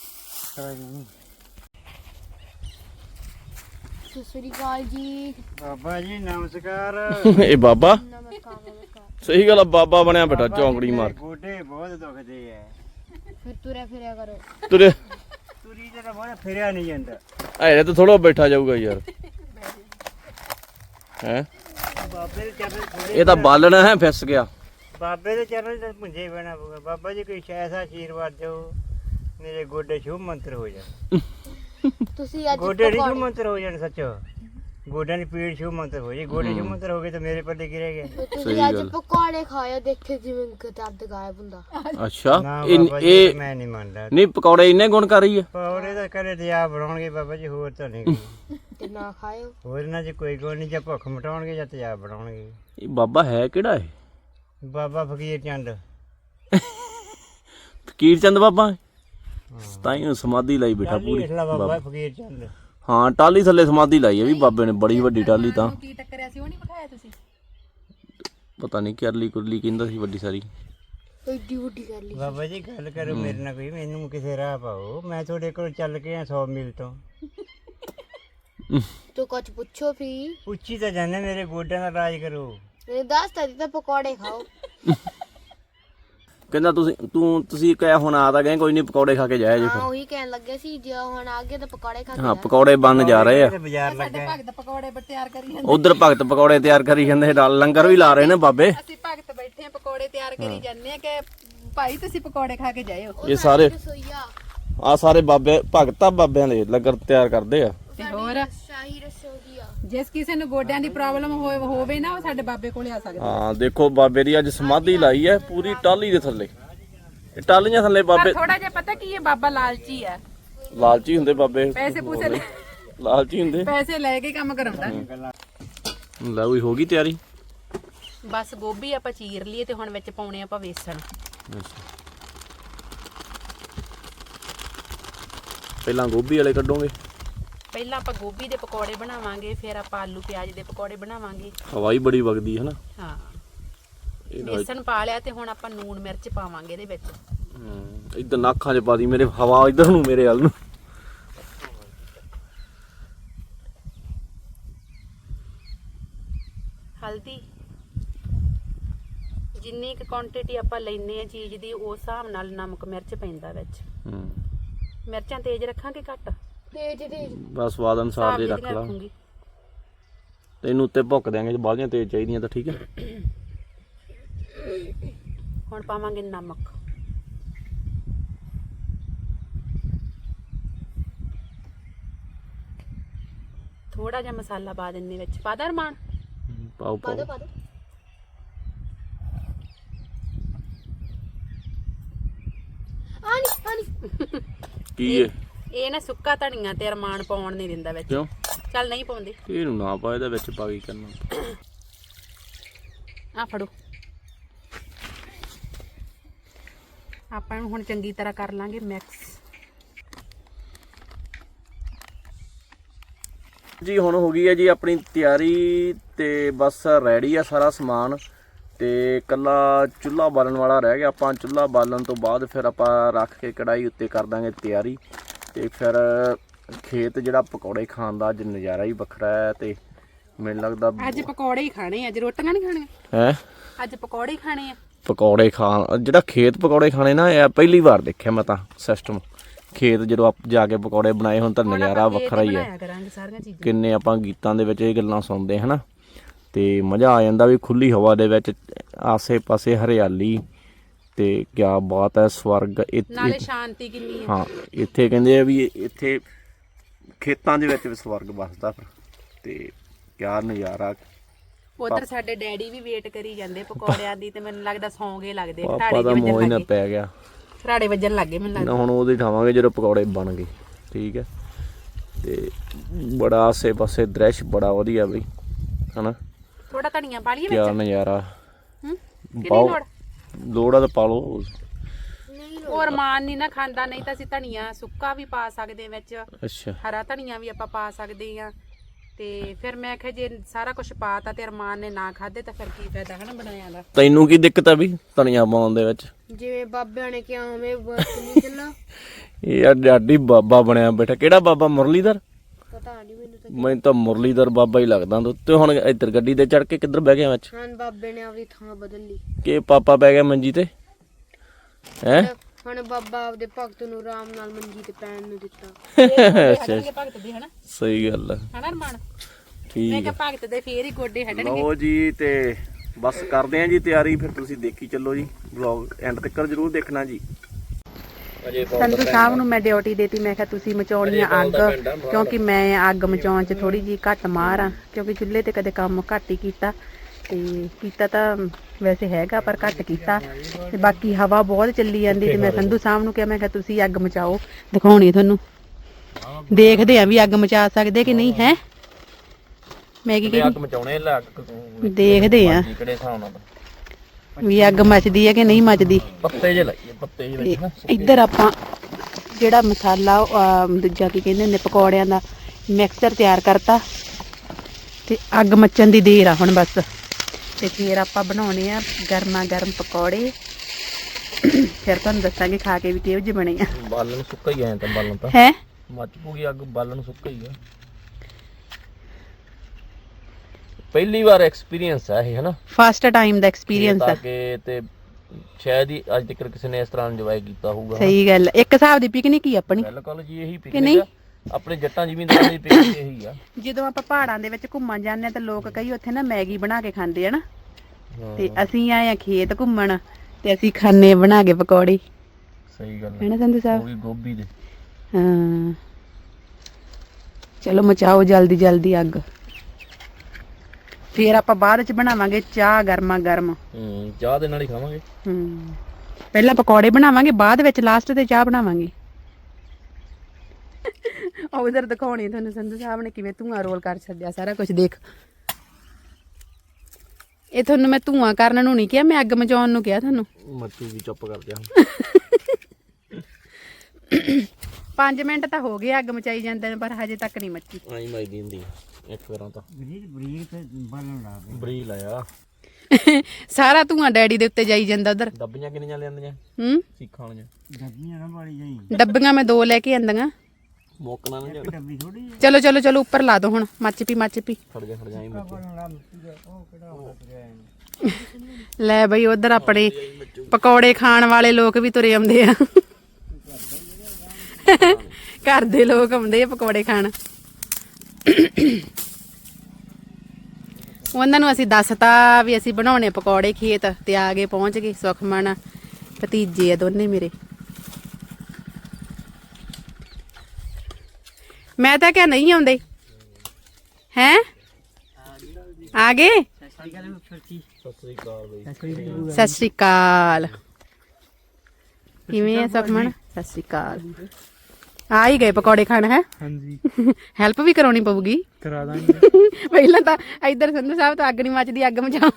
Speaker 3: ਸਤਿ ਸ੍ਰੀ ਅਕਾਲ ਜੀ।
Speaker 4: ਬਾਬਾ ਜੀ ਨਮਸਕਾਰ।
Speaker 1: ਇਹ ਬਾਬਾ
Speaker 3: ਨਮਸਕਾਰ ਨਮਸਕਾਰ।
Speaker 1: ਸਹੀ ਗੱਲ ਆ, ਬਾਬਾ ਬਣਿਆ ਬੇਟਾ ਚੌਂਕੜੀ ਮਾਰ।
Speaker 4: ਗੋਡੇ ਬਹੁਤ ਦੁਖਦੇ ਐ।
Speaker 3: ਫਿਰ ਤੁਰਿਆ ਫਿਰਿਆ ਕਰੋ।
Speaker 1: ਤੁਰੇ
Speaker 4: ਤੁਰੀ ਜਿਹੜਾ ਬਹੁਤ ਫਿਰਿਆ ਨਹੀਂ ਜਾਂਦਾ।
Speaker 1: ਐਰੇ ਤਾਂ ਥੋੜਾ ਬੈਠਾ ਜਾਊਗਾ ਯਾਰ। ਹੈ
Speaker 4: ਬਾਬੇ ਦੇ ਚੱਬੇ
Speaker 1: ਇਹ ਤਾਂ ਬਾਲਣ ਹੈ ਫਿਸ ਗਿਆ।
Speaker 4: ਬਾਬੇ ਦੇ ਚਰਨ ਤੇ ਪੁੰਜੇ ਪੈਣਾ ਪਊਗਾ। ਬਾਬਾ ਜੀ ਕੋਈ ਐਸਾ ਆਸ਼ੀਰਵਾਦ ਦਿਓ ਮੇਰੇ ਗੋਡੇ ਸ਼ੁਭ ਮੰਤਰ ਹੋ ਜਾਣ।
Speaker 3: ਤੁਸੀਂ ਅੱਜ
Speaker 4: ਗੋਡੇ ਨਹੀਂ ਸ਼ੁਭ
Speaker 3: ਪਕੌੜੇ
Speaker 4: ਮੰਤਰ ਹੋ ਜਾਣ ਸੱਚ, ਗੋਡਿਆਂ ਦੀ ਪੀੜ ਸ਼ੁਭ ਮੰਤਰ ਹੋ ਜੇ। ਗੋਡੇ ਸ਼ੁਭ ਮੰਤਰ ਹੋ ਗਏ ਤਾਂ ਮੇਰੇ ਪੱਲੇ ਗਿਰੇ ਗਏ।
Speaker 3: ਤੁਸੀਂ ਅੱਜ ਪਕੌੜੇ ਖਾਇਆ ਦੇਖੇ ਜਿਵੇਂ ਦਰਦ ਗਾਇਬ ਹੁੰਦਾ।
Speaker 1: ਅੱਛਾ
Speaker 4: ਨਾ
Speaker 1: ਇਹ
Speaker 4: ਬਾਬਾ ਜੀ
Speaker 1: ਇਹ
Speaker 4: ਮੈਂ ਨਹੀਂ ਮੰਨਦਾ।
Speaker 1: ਨਹੀਂ ਪਕੌੜੇ ਇੰਨੇ ਗੁਣਕਾਰੀ ਆ।
Speaker 4: ਪੌੜੇ ਤਾਂ ਕਰੇ ਤੇ ਆਪ ਬਣਾਉਣਗੇ ਬਾਬਾ ਜੀ, ਹੋਰ ਤਾਂ ਨਹੀਂ ਕੋਈ।
Speaker 3: ਤੇ ਨਾ ਖਾਇਓ।
Speaker 4: ਹੋਰ ਇਹਨਾਂ 'ਚ ਕੋਈ ਗੁਣ ਨਹੀਂ, ਜਾਂ ਭੁੱਖ ਮਿਟਾਉਣਗੇ ਜਾਂ ਤੇਜ਼ਾਬ ਬਣਾਉਣਗੇ।
Speaker 1: ਇਹ ਬਾਬਾ ਹੈ ਕਿਹੜਾ ਇਹ?
Speaker 4: ਬਾਬਾ ਫਕੀਰ ਚੰਦ।
Speaker 1: ਫਕੀਰ ਚੰਦ ਬਾਬਾ ਤਾਂ ਹੀ ਸਮਾਧੀ ਲਾਈ ਬੈਠਾ
Speaker 4: ਟਾਹਲੀ
Speaker 1: ਪੂਰੀ।
Speaker 4: ਹੇਠਲਾ ਬਾਬਾ ਫਕੀਰ ਚੰਦ।
Speaker 1: ਹਾਂ ਟਾਲੀ ਥੱਲੇ ਸਮਾਧੀ ਲਾਈ ਹੈ ਵੀ ਬਾਬੇ ਨੇ, ਬੜੀ ਵੱਡੀ ਟਾਲੀ ਤਾਂ।
Speaker 2: ਕੀ ਟੱਕਰਿਆ ਸੀ ਉਹ ਨਹੀਂ ਵਿਖਾਇਆ ਤੁਸੀਂ?
Speaker 1: ਪਤਾ ਨਹੀਂ ਕਰਲੀ ਕੁਰਲੀ ਕਹਿੰਦਾ ਸੀ ਵੱਡੀ ਸਾਰੀ।
Speaker 3: ਏਡੀ ਵੱਡੀ ਕਰ ਲਈ।
Speaker 4: ਬਾਬਾ ਜੀ ਗੱਲ ਕਰੋ ਮੇਰੇ ਨਾਲ ਕੋਈ, ਮੈਨੂੰ ਕਿਸੇ ਰਾਹ ਪਾਓ। ਮੈਂ ਤੁਹਾਡੇ ਕੋਲ ਚੱਲ ਕੇ ਆ ਸੌ ਮੀਲ ਤੋਂ।
Speaker 3: ਤੂੰ ਕੁਝ ਪੁੱਛੋ ਵੀ।
Speaker 4: ਪੁੱਛੀ ਤਾਂ ਜਾਂਦੇ ਮੇਰੇ ਗੋਡਿਆਂ ਦਾ ਇਲਾਜ ਕਰੋ।
Speaker 3: ਮੈਨੂੰ ਦੱਸ ਤਾ ਦਿੱਤਾ ਪਕੌੜੇ ਖਾਓ।
Speaker 1: ਕਹਿੰਦਾ ਤੁਸੀਂ ਤੂੰ ਤੁਸੀਂ ਕਹਿ ਹੁਣ ਆ ਤਾਂ ਗਏ, ਕੋਈ ਨਹੀਂ ਪਕੌੜੇ ਖਾ ਕੇ ਜਾਇਆ ਜੇ
Speaker 3: ਹਾਂ
Speaker 1: ਫਿਰ।
Speaker 3: ਉਹੀ ਕਹਿਣ ਲੱਗੇ ਸੀ ਜੇ ਹੁਣ ਆ ਗਏ ਤਾਂ ਪਕੌੜੇ ਖਾ ਕੇ
Speaker 1: ਹਾਂ ਪਕੌੜੇ ਬਣ ਜਾ ਰਹੇ ਆ।
Speaker 4: ਤੇ ਬਾਜ਼ਾਰ
Speaker 2: ਸਾਡੇ
Speaker 4: ਲੱਗਾ
Speaker 2: ਭਗਤ ਪਕੌੜੇ ਬ- ਤਿਆਰ ਕਰੀ ਜਾਂਦੇ।
Speaker 1: ਉਧਰ ਭਗਤ ਪਕੌੜੇ ਤਿਆਰ ਕਰੀ ਜਾਂਦੇ, ਨਾਲ ਲੰਗਰ ਵੀ ਲਾ ਰਹੇ ਨੇ ਬਾਬੇ।
Speaker 2: ਅਸੀਂ ਭਗਤ ਬੈਠੇ ਆ ਪਕੌੜੇ ਤਿਆਰ ਕਰੀ ਜਾਂਦੇ ਆ ਕਿ ਭਾਈ ਤੁਸੀਂ ਪਕੌੜੇ ਖਾ ਕੇ ਜਾਇਓ।
Speaker 1: ਇਹ ਸਾਰੇ
Speaker 3: ਰਸੋਈਆ
Speaker 1: ਆ ਸਾਰੇ ਬਾਬੇ ਭਗਤਾਂ ਬਾਬਿਆਂ ਦੇ ਲੰਗਰ ਤਿਆਰ ਕਰਦੇ ਆ।
Speaker 2: ਤੇ ਹੋਰ
Speaker 3: ਸ਼ਾਹੀ ਰਸੋਈਆ।
Speaker 2: ਜਿਸ ਕਿਸੇ ਨੂੰ ਗੋਡਿਆਂ ਦੀ ਪ੍ਰੋਬਲਮ ਹੋਵੇ ਨਾ ਉਹ ਸਾਡੇ ਬਾਬੇ ਕੋਲੇ ਆ ਸਕਦਾ।
Speaker 1: ਹਾਂ ਦੇਖੋ ਬਾਬੇ ਦੀ ਅੱਜ ਸਮਾਧੀ ਲਾਈ ਹੈ ਪੂਰੀ ਟਾਲੀ ਦੇ ਥੱਲੇ। ਇਹ ਟਾਲੀਆਂ ਥੱਲੇ
Speaker 2: ਪਰ
Speaker 1: ਬਾਬੇ
Speaker 2: ਥੋੜਾ ਜਿਹਾ ਪਤਾ ਕੀ ਹੈ, ਬਾਬਾ ਲਾਲਚੀ ਆ।
Speaker 1: ਲਾਲਚੀ ਹੁੰਦੇ ਬਾਬੇ,
Speaker 2: ਪੈਸੇ ਪੂਸੇ ਲੈ-
Speaker 1: ਲਾਲਚੀ ਹੁੰਦੇ।
Speaker 2: ਪੈਸੇ ਲੈ ਕੇ ਕੰਮ ਕਰਾਉਂਦਾ।
Speaker 1: ਲੈ ਵੀ ਹੋ ਗਈ ਤਿਆਰੀ।
Speaker 2: ਬਸ ਗੋਭੀ ਆਪਾਂ ਚੀਰ ਲਈਏ ਤੇ ਹੁਣ ਵਿੱਚ ਪਾਉਣੇ ਆਪਾਂ ਵੇਸਣ।
Speaker 1: ਪਹਿਲਾਂ ਗੋਭੀ ਵਾਲੇ ਕੱਢੋਗੇ।
Speaker 2: ਪਹਿਲਾਂ ਆਪਾਂ ਗੋਭੀ ਦੇ ਪਕੌੜੇ ਬਣਾਵਾਂਗੇ, ਫਿਰ ਆਪਾਂ ਆਲੂ ਪਿਆਜ਼ ਦੇ ਪਕੌੜੇ ਬਣਾਵਾਂਗੇ।
Speaker 1: ਹਵਾ ਹੀ ਬੜੀ ਵਗਦੀ ਹੈ ਨਾ।
Speaker 2: ਹਾਂ
Speaker 1: ਇਹ ਨਾਲ
Speaker 2: ਵੇਸਣ ਪਾ ਲਿਆ ਤੇ ਹੁਣ ਆਪਾਂ ਨੂਣ ਮਿਰਚ ਪਾਵਾਂਗੇ ਇਹਦੇ ਵਿੱਚ।
Speaker 1: ਹੂੰ ਇਧਰ ਨਾਖਾਂ 'ਚ ਪਾ ਦੀ ਮੇਰੇ, ਹਵਾ ਇਧਰ ਨੂੰ ਮੇਰੇ ਵੱਲ ਨੂੰ।
Speaker 2: ਹਲਦੀ ਜਿੰਨੀ ਕੁ ਕੁਆਂਟੀਟੀ ਆਪਾਂ ਲੈਨੇ ਆ ਚੀਜ਼ ਦੀ ਉਸ ਹਿਸਾਬ ਨਾਲ ਨਮਕ ਮਿਰਚ ਪੈਂਦਾ ਵਿੱਚ।
Speaker 1: ਹੂੰ
Speaker 2: ਮਿਰਚਾਂ ਤੇਜ਼ ਰੱਖਾਂਗੇ ਘੱਟ?
Speaker 3: ਤੇਜ ਤੇਜ।
Speaker 1: ਬਸ ਸਵਾਦ ਅਨੁਸਾਰ ਜੇ ਰੱਖ ਲਾ।
Speaker 2: ਰੱਖੂੰਗੀ।
Speaker 1: ਤੇ ਇਹਨੂੰ ਉੱਤੇ ਭੁੱਕ ਦਿਆਂਗੇ, ਜੇ ਬਾਹਲੀਆਂ ਤੇਜ਼ ਚਾਹੀਦੀਆਂ ਤਾਂ ਠੀਕ ਹੈ।
Speaker 2: ਹੁਣ ਪਾਵਾਂਗੇ ਨਮਕ। ਥੋੜਾ ਜਿਹਾ ਮਸਾਲਾ ਪਾ ਦਿੰਨੇ ਵਿੱਚ। ਪਾ ਦਾਂ ਅਰਮਾਨ?
Speaker 1: ਪਾਓ
Speaker 3: ਪਾ ਦੋ
Speaker 1: ਪਾਓ।
Speaker 3: ਪਾ ਦੋ। ਆਨੀ ਆਨੀ।
Speaker 1: ਕੀ ਹੈ?
Speaker 2: ਇਹ ਨਾ ਸੁੱਕਾ ਧਨੀਆ ਤੇ ਅਰਮਾਨ ਪਾਉਣ ਨਹੀਂ ਦਿੰਦਾ ਵਿੱਚ।
Speaker 1: ਕਿਉਂ?
Speaker 2: ਚੱਲ ਨਹੀਂ ਪਾਉਂਦੇ।
Speaker 1: ਇਹਨੂੰ ਨਾ ਪਾ, ਇਹਦੇ ਵਿੱਚ ਪਾ ਕੇ ਕਰਨਾ।
Speaker 2: ਆ ਫੜੋ। ਆਪਾਂ ਨੂੰ ਹੁਣ ਚੰਗੀ ਤਰ੍ਹਾਂ ਕਰ ਲਾਂਗੇ ਮਿਕਸ।
Speaker 1: ਜੀ ਹੁਣ ਹੋ ਗਈ ਹੈ ਜੀ ਆਪਣੀ ਤਿਆਰੀ ਤੇ ਬਸ ਰੈਡੀ ਆ ਸਾਰਾ ਸਮਾਨ ਤੇ ਕੱਲਾ ਚੁੱਲ੍ਹਾ ਬਾਲਣ ਵਾਲਾ ਰਹਿ ਗਿਆ। ਆਪਾਂ ਚੁੱਲ੍ਹਾ ਬਾਲਣ ਤੋਂ ਬਾਅਦ ਫਿਰ ਆਪਾਂ ਰੱਖ ਕੇ ਕੜਾਈ ਉੱਤੇ ਕਰ ਦਾਂਗੇ ਤਿਆਰੀ ਤੇ ਫਿਰ ਖੇਤ ਜਿਹੜਾ ਪਕੌੜੇ ਖਾਣ ਦਾ ਅੱਜ ਨਜ਼ਾਰਾ ਹੀ ਵੱਖਰਾ ਹੈ। ਤੇ ਮੈਨੂੰ ਲੱਗਦਾ
Speaker 2: ਅੱਜ ਪਕੌੜੇ ਹੀ ਖਾਣੇ, ਅੱਜ ਰੋਟੀਆਂ ਨਹੀਂ ਖਾਣੀਆਂ।
Speaker 1: ਹੈ
Speaker 2: ਅੱਜ ਪਕੌੜੇ ਹੀ ਖਾਣੇ ਆ।
Speaker 1: ਪਕੌੜੇ ਖਾਣ, ਜਿਹੜਾ ਖੇਤ ਪਕੌੜੇ ਖਾਣੇ ਨਾ, ਇਹ ਪਹਿਲੀ ਵਾਰ ਦੇਖਿਆ ਮੈਂ ਤਾਂ ਸਿਸਟਮ। ਖੇਤ ਜਦੋਂ ਆਪ ਜਾ ਕੇ ਪਕੌੜੇ ਬਣਾਏ ਹੁਣ ਤਾਂ ਨਜ਼ਾਰਾ ਵੱਖਰਾ ਹੀ ਹੈ।
Speaker 2: ਬਣਾਇਆ ਕਰਾਂਗੇ ਸਾਰੀਆਂ ਚੀਜ਼ਾਂ।
Speaker 1: ਕਿੰਨੇ ਆਪਾਂ ਗੀਤਾਂ ਦੇ ਵਿੱਚ ਇਹ ਗੱਲਾਂ ਸੁਣਦੇ ਹਨਾ, ਤੇ ਮਜ਼ਾ ਆ ਜਾਂਦਾ ਵੀ ਖੁੱਲੀ ਹਵਾ ਦੇ ਵਿੱਚ ਆਸੇ-ਪਾਸੇ ਹਰਿਆਲੀ ਤੇ ਕਿਆ ਬਾਤ ਹੈ, ਸਵਰਗ।
Speaker 2: ਨਾਲੇ ਸ਼ਾਂਤੀ ਕਿੰਨੀ ਹੈ।
Speaker 1: ਹਾਂ ਇੱਥੇ ਕਹਿੰਦੇ ਆ ਵੀ ਇੱਥੇ ਖੇਤਾਂ ਦੇ ਵਿੱਚ ਵੀ ਸਵਰਗ ਵਸਦਾ ਫਿਰ, ਤੇ ਕਿਆ ਨਜ਼ਾਰਾ।
Speaker 2: ਉਧਰ ਸਾਡੇ ਡੈਡੀ ਵੀ ਵੇਟ ਕਰੀ ਜਾਂਦੇ ਪਕੌੜਿਆਂ ਦੀ ਤੇ ਮੈਨੂੰ ਲੱਗਦਾ ਸੌਂਗੇ ਲੱਗਦੇ।
Speaker 1: ਪਾਪਾ ਦਾ ਮੋਹ ਹੀ ਨਾ ਪੈ ਗਿਆ।
Speaker 2: ਰਾੜੇ ਵੱਜਣ ਲੱਗੇ ਮੈਨੂੰ
Speaker 1: ਨਾ
Speaker 2: ਲੱਗਦਾ।
Speaker 1: ਹੁਣ ਉਹਦੇ ਖਾਵਾਂਗੇ ਜਦੋਂ ਪਕੌੜੇ ਬਣ ਗਏ। ਠੀਕ ਹੈ ਤੇ ਬੜਾ ਆਸੇ-ਪਾਸੇ ਦ੍ਰਿਸ਼ ਬੜਾ ਵਧੀਆ ਬਈ ਹਨਾ।
Speaker 2: ਥੋੜਾ ਧਨੀਆ ਪਾ ਲਈਏ
Speaker 1: ਕਿਆ
Speaker 2: ਵਿੱਚ?
Speaker 1: ਨਜ਼ਾਰਾ।
Speaker 2: ਹੂੰ ਕਿਹੜੀ
Speaker 1: ਪਾਓ
Speaker 2: ਲੋੜ?
Speaker 1: ਲੋੜ ਆ ਤਾਂ ਪਾ ਲਓ।
Speaker 2: ਉਹ ਅਰਮਾਨ ਨਹੀਂ ਨਾ ਖਾਂਦਾ, ਨਹੀਂ ਤਾਂ ਅਸੀਂ ਧਨੀਆ ਸੁੱਕਾ ਵੀ ਪਾ ਸਕਦੇ ਵਿੱਚ,
Speaker 1: ਅੱਛਾ
Speaker 2: ਹਰਾ ਧਨੀਆ ਵੀ ਆਪਾਂ ਪਾ ਸਕਦੇ ਆ। ਤੇ ਫਿਰ ਮੈਂ ਕਿਹਾ ਜੇ ਸਾਰਾ ਕੁਝ ਪਾਤਾ ਤੇ ਅਰਮਾਨ ਨੇ ਨਾ ਖਾਦੇ ਤਾਂ ਫਿਰ ਕੀ ਫਾਇਦਾ ਹਨਾ ਬਣਾਇਆ ਦਾ।
Speaker 1: ਤੈਨੂੰ ਕੀ ਦਿੱਕਤ ਆ ਵੀ ਧਨੀਆ ਪਾਉਣ ਦੇ ਵਿੱਚ?
Speaker 3: ਜਿਵੇਂ ਬਾਬਿਆਂ ਨੇ ਕਿਹਾ ਉਵੇਂ ਬਸ ਨਹੀਂ ਚੱਲਣਾ।
Speaker 1: ਇਹ ਯਾਰ ਡਾਡੀ ਬਾਬਾ ਬਣਿਆ ਬੈਠਾ। ਕਿਹੜਾ ਬਾਬਾ? ਮੁਰਲੀਧਰ?
Speaker 3: ਪਤਾ ਨਹੀਂ ਮੈਨੂੰ ਤਾਂ।
Speaker 1: ਮੈਨੂੰ ਤਾਂ ਮੁਰਲੀਧਰ ਬਾਬਾ ਹੀ ਲੱਗਦਾ ਤੂੰ। ਤੇ ਹੁਣ ਇੱਧਰ ਗੱਡੀ ਤੇ ਚੜ ਕੇ ਕਿੱਧਰ ਬਹਿ ਗਿਆ ਵਿੱਚ?
Speaker 3: ਹਾਂ ਬਾਬੇ ਨੇ ਆਪਣੀ ਥਾਂ ਬਦਲ ਲਈ।
Speaker 1: ਕਿ ਪਾਪਾ ਬਹਿ ਗਿਆ ਮੰਜੀ ਤੇ ਹੈ?
Speaker 3: ਹੁਣ ਬਾਬਾ ਆਪਦੇ ਭਗਤ ਨੂੰ ਆਰਾਮ ਨਾਲ ਮੰਜੀ ਤੇ ਪੈਣ ਨੂੰ ਦਿੱਤਾ।
Speaker 1: ਅੱਛਾ
Speaker 2: ਭਗਤ ਦੇ ਹਨਾ
Speaker 1: ਸਹੀ ਗੱਲ ਆ।
Speaker 2: ਹਨਾ ਅਰਮਾਨ? ਮੈਂ
Speaker 1: ਠੀਕ
Speaker 2: ਕਿਹਾ ਭਗਤ ਦੇ ਫੇਰ ਹੀ ਗੋਡੇ ਹਟਣਗੇ।
Speaker 1: ਲਓ ਜੀ ਤੇ ਬਸ ਕਰਦੇ ਆਂ ਜੀ ਤਿਆਰੀ, ਫਿਰ ਤੁਸੀਂ ਦੇਖੀ ਚੱਲੋ ਜੀ ਵਲੌਗ ਐਂਡ ਤੱਕ ਜ਼ਰੂਰ ਦੇਖਣਾ ਜੀ।
Speaker 2: ਸੰਧੂ ਸਾਹਿਬ ਨੂੰ ਮੈਂ ਡਿਊਟੀ ਦੇਤੀ, ਮੈਂ ਕਿਹਾ ਤੁਸੀਂ ਮਚਾਉਣੀ ਆ ਅੱਗ, ਕਿਉਂਕਿ ਮੈਂ ਅੱਗ ਮਚਾਉਣ 'ਚ ਥੋੜੀ ਜੀ ਘੱਟ ਮਾਰ ਆ, ਕਿਉਂਕਿ ਚੁੱਲ੍ਹੇ ਤੇ ਕਦੇ ਕੰਮ ਘੱਟ ਹੀ ਕੀਤਾ, ਤੇ ਕੀਤਾ ਤਾਂ ਵੈਸੇ ਹੈਗਾ ਪਰ ਘੱਟ ਕੀਤਾ। ਤੇ ਬਾਕੀ ਹਵਾ ਬਹੁਤ ਚੱਲੀ ਜਾਂਦੀ, ਤੇ ਮੈਂ ਸੰਧੂ ਸਾਹਿਬ ਨੂੰ ਕਿਹਾ, ਮੈਂ ਕਿਹਾ ਤੁਸੀਂ ਅੱਗ ਮਚਾਓ, ਦਿਖਾਉਣੀ ਤੁਹਾਨੂੰ, ਦੇਖਦੇ ਆ ਵੀ ਅੱਗ ਮਚਾ ਸਕਦੇ ਕਿ ਨਹੀਂ ਹੈ। ਮੈਂ ਕੀ
Speaker 1: ਅੱਗ ਮਚਾਉਣੇ ਲੱਗ
Speaker 2: ਦੇਖਦੇ ਆ
Speaker 1: ਕਿਹੜੇ ਹਿਸਾਬ ਨਾਲ
Speaker 2: ਵੀ ਅੱਗ ਮੱਚਦੀ ਹੈ ਕਿ ਨਹੀਂ ਮੱਚਦੀ।
Speaker 1: ਪੱਤੇ ਜੇ ਲਾਈਏ, ਪੱਤੇ ਜੇ ਵਿੱਚ ਨਾ।
Speaker 2: ਇੱਧਰ ਆਪਾਂ ਜਿਹੜਾ ਮਸਾਲਾ ਅਹ, ਦੂਜਾ ਕੀ ਕਹਿੰਦੇ ਹੁੰਦੇ ਪਕੌੜਿਆਂ ਦਾ ਮਿਕਸਚਰ ਤਿਆਰ ਕਰਤਾ, ਤੇ ਅੱਗ ਮੱਚਣ ਦੀ ਦੇਰ ਆ ਹੁਣ ਬਸ। ਤੇ ਫਿਰ ਆਪਾਂ ਬਣਾਉਣੇ ਆ ਗਰਮਾ ਗਰਮ ਪਕੌੜੇ, ਫਿਰ ਤੁਹਾਨੂੰ ਦੱਸਾਂਗੇ ਖਾ ਕੇ ਵੀ ਕਿਹੋ ਜਿਹੇ ਬਣੇ ਆ।
Speaker 1: ਬਾਲਣ ਸੁੱਕਾ ਹੀ ਆਇਆ ਤਾਂ ਬਾਲਣ ਤਾਂ
Speaker 2: ਹੈ
Speaker 1: ਮੱਚ ਪੂਗੀ ਅੱਗ, ਬਾਲਣ ਸੁੱਕਾ ਹੀ ਆ। ਪਹਿਲੀ ਵਾਰ ਐਕਸਪੀਰੀਅੰਸ ਹੈ ਇਹ, ਹਨਾ
Speaker 2: ਫਸਟ ਟਾਈਮ ਦਾ ਐਕਸਪੀਰੀਅੰਸ ਆ।
Speaker 1: ਕਿ ਤੇ ਸ਼ਾਇਦ ਹੀ ਅੱਜ ਤੱਕ ਕਿਸੇ ਨੇ ਇਸ ਤਰ੍ਹਾਂ ਇੰਜੋਏ ਕੀਤਾ ਹੋਊਗਾ।
Speaker 2: ਸਹੀ ਗੱਲ, ਇੱਕ ਹਿਸਾਬ ਦੀ ਪਿਕਨਿਕ ਹੀ ਆਪਣੀ।
Speaker 1: ਬਿਲਕੁਲ ਜੀ, ਇਹੀ
Speaker 2: ਨਹੀਂ?
Speaker 1: ਪਿਕਨਿਕ ਆ ਆਪਣੇ ਜੱਟਾਂ ਜ਼ਿਮੀਂਦਾਰਾਂ ਦੀ ਪਿਕਨਿਕ ਇਹੀ ਆ।
Speaker 2: ਜਦੋਂ ਆਪਾਂ ਪਹਾੜਾਂ ਦੇ ਵਿੱਚ ਘੁੰਮਣ ਜਾਂਦੇ ਆ ਤਾਂ ਲੋਕ ਕਈ ਉੱਥੇ ਨਾ ਮੈਗੀ ਬਣਾ ਕੇ ਖਾਂਦੇ ਆ ਨਾ, ਤੇ ਅਸੀਂ ਆਏ ਆ ਖੇਤ ਘੁੰਮਣ, ਤੇ ਅਸੀਂ ਖਾਣੇ ਬਣਾ ਕੇ ਪਕੌੜੇ।
Speaker 1: ਸਹੀ ਗੱਲ
Speaker 2: ਹੈ ਨਾ ਸੰਧੂ ਸਾਹਿਬ?
Speaker 1: ਉਹ ਵੀ ਗੋਭੀ ਦੇ।
Speaker 2: ਹਾਂ, ਚਲੋ ਮਚਾਓ ਜਲਦੀ ਜਲਦੀ ਅੱਗ, ਫਿਰ ਆਪਾਂ ਬਾਅਦ ਚ ਬਣਾਵਾਂਗੇ ਚਾਹ ਗਰਮਾ ਗਰਮ।
Speaker 1: ਹੂੰ, ਚਾਹ ਦੇ ਨਾਲ ਹੀ ਖਾਵਾਂਗੇ।
Speaker 2: ਹੂੰ, ਪਹਿਲਾਂ ਪਕੌੜੇ ਬਣਾਵਾਂਗੇ, ਬਾਅਦ ਵਿੱਚ ਲਾਸਟ ਤੇ ਚਾਹ ਬਣਾਵਾਂਗੇ। ਉਹ ਉਧਰ ਦਿਖਾਉਣੀ ਤੁਹਾਨੂੰ ਸੰਧੂ ਸਾਹਿਬ ਨੇ ਕਿਵੇਂ ਧੂਆਂ ਰੋਲ ਕਰ ਛੱਡਿਆ, ਸਾਰਾ ਕੁਝ ਦੇਖ। ਇਹ ਤੁਹਾਨੂੰ ਮੈਂ ਧੂਆਂ ਕਰਨ ਨੂੰ ਨਹੀਂ ਕਿਹਾ, ਮੈਂ ਅੱਗ ਮਚਾਉਣ ਨੂੰ ਕਿਹਾ ਤੁਹਾਨੂੰ।
Speaker 1: ਮੱਚੂ ਵੀ ਚੁੱਪ ਕਰ ਜਾ।
Speaker 2: ਪੰਜ ਮਿੰਟ ਤਾਂ ਹੋ ਗਏ ਅੱਗ ਮਚਾਈ ਜਾਂਦੇ ਨੇ, ਪਰ ਹਜੇ ਤੱਕ ਨਹੀਂ ਮੱਚੀ।
Speaker 1: ਆਈ ਮਾਈਦੀ ਹੁੰਦੀ ਇੱਕ ਵਾਰਾਂ ਤਾਂ
Speaker 4: ਬਰੀਕ ਬਰੀਕ ਤੇ ਬਾਲਣ ਲਾ ਦੇ।
Speaker 1: ਬਰੀ ਲਾਇਆ।
Speaker 2: ਸਾਰਾ ਧੂਆਂ ਡੈਡੀ ਦੇ ਉੱਤੇ ਜਾਈ ਜਾਂਦਾ ਉਧਰ।
Speaker 1: ਡੱਬੀਆਂ ਕਿੰਨੀਆਂ ਲਿਆਂਦੀਆਂ
Speaker 2: ਹੂੰ,
Speaker 1: ਸੀਖਾਂ ਵਾਲੀਆਂ?
Speaker 4: ਡੱਬੀਆਂ ਨਾ ਵਾਲੀ ਜਾਈ,
Speaker 2: ਡੱਬੀਆਂ ਮੈਂ ਦੋ ਲੈ ਕੇ ਆਂਦੀਆਂ।
Speaker 1: ਮੋਕਣਾ ਨਾ ਜਾਣਾ।
Speaker 4: ਡੱਬੀ ਥੋੜੀ
Speaker 2: ਚਲੋ ਚਲੋ ਚਲੋ ਉੱਪਰ ਲਾ ਦੋ ਹੁਣ, ਮੱਚ ਪੀ ਮੱਚ ਪੀ।
Speaker 1: ਖੜ ਜਾ ਖੜ ਜਾ ਹੀ ਮੱਚ।
Speaker 4: ਬਾਲਣ ਲਾ ਮਿੱਟੀ ਦਾ, ਉਹ ਕਿਹੜਾ ਹੁੰਦਾ ਤੁਰਿਆ।
Speaker 2: ਲੈ ਬਈ ਉਧਰ ਆਪਣੇ ਪਕੌੜੇ ਖਾਣ ਵਾਲੇ ਲੋਕ ਵੀ ਤੁਰੇ ਆਉਂਦੇ ਆ। ਘਰ ਦੇ ਲੋਕ ਆਉਂਦੇ ਆ ਪਕੌੜੇ ਖਾਣ। ਉਹਨਾਂ ਨੂੰ ਅਸੀਂ ਦੱਸਤਾ ਵੀ ਅਸੀਂ ਬਣਾਉਣੇ ਪਕੌੜੇ ਖੇਤ, ਤੇ ਆ ਗਏ, ਪਹੁੰਚ ਗਏ। ਸੁਖਮਨ ਭਤੀਜੇ ਆ ਦੋਨੇ ਮੇਰੇ। ਮੈਂ ਤਾਂ ਕਿਹਾ ਨਹੀਂ ਆਉਂਦੇ ਹੈ, ਆ ਗਏ।
Speaker 1: ਸਤਿ ਸ੍ਰੀ ਅਕਾਲ ਬਈ।
Speaker 2: ਸਤਿ ਸ਼੍ਰੀ ਅਕਾਲ, ਕਿਵੇਂ ਆ ਸੁਖਮਨ? ਸਤਿ ਸ਼੍ਰੀ ਅਕਾਲ। ਆ ਹੀ ਗਏ ਪਕੌੜੇ ਖਾਣ ਹੈ?
Speaker 5: ਹਾਂਜੀ,
Speaker 2: ਹੈਲਪ ਵੀ ਕਰਾਉਣੀ ਪਊਗੀ।
Speaker 5: ਕਰਾ ਦਾਂਗੇ।
Speaker 2: ਪਹਿਲਾਂ ਤਾਂ ਇੱਧਰ ਸੰਧੂ ਸਾਹਿਬ ਤੋਂ ਅੱਗ ਨਹੀਂ ਮੱਚਦੀ, ਅੱਗ ਮਚਾਓ।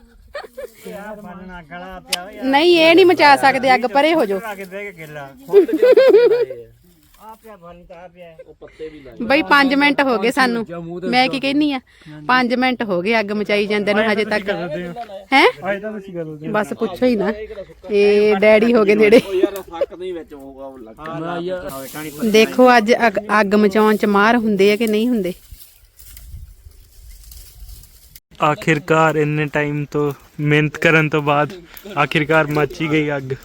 Speaker 4: ਬਾਲਣ ਗਲਾ ਪਿਆ ਹੋਇਆ
Speaker 2: ਨਹੀਂ, ਇਹ ਨਹੀਂ ਮਚਾ ਸਕਦੇ ਅੱਗ, ਪਰੇ ਹੋ ਜਾਓ।
Speaker 4: ਲਾ ਕੇ ਬਹਿ ਕੇ ਗਿੱਲਾ ਆ ਪਿਆ, ਬਾਲਣ ਤਾਂ ਆ ਪਿਆ।
Speaker 1: ਉਹ ਪੱਤੇ ਵੀ ਲਾਏ।
Speaker 2: ਬਈ ਪੰਜ ਮਿੰਟ ਹੋ ਗਏ ਸਾਨੂੰ, ਮੈਂ ਕੀ ਕਹਿਨੀ ਆ, ਪੰਜ ਮਿੰਟ ਹੋ ਗਏ ਅੱਗ ਮਚਾਈ ਜਾਂਦੇ ਨੂੰ ਹਜੇ ਤੱਕ ਹੈ।
Speaker 5: ਅੱਜ ਤਾਂ ਤੁਸੀਂ ਕਰਦੇ
Speaker 2: ਬਸ ਪੁੱਛੋ ਹੀ ਨਾ, ਇਹ ਡੈਡੀ ਹੋ ਗਏ ਨੇੜੇ।
Speaker 1: ਯਾਰ ਫੱਕ ਨਹੀਂ ਵਿੱਚ ਹੋਊਗਾ ਉਹ ਲੱਗਾ।
Speaker 2: ਦੇਖੋ ਅੱਜ ਅੱਗ ਅੱਗ ਮਚਾਉਣ ਚ ਮਾਰ ਹੁੰਦੇ ਆ ਕਿ ਨਹੀਂ ਹੁੰਦੇ।
Speaker 5: ਆਖਿਰਕਾਰ ਇੰਨੇ ਟਾਈਮ ਤੋਂ ਮਿਹਨਤ ਕਰਨ ਤੋਂ ਬਾਅਦ ਆਖਿਰਕਾਰ ਮੱਚ ਹੀ ਗਈ ਅੱਗ।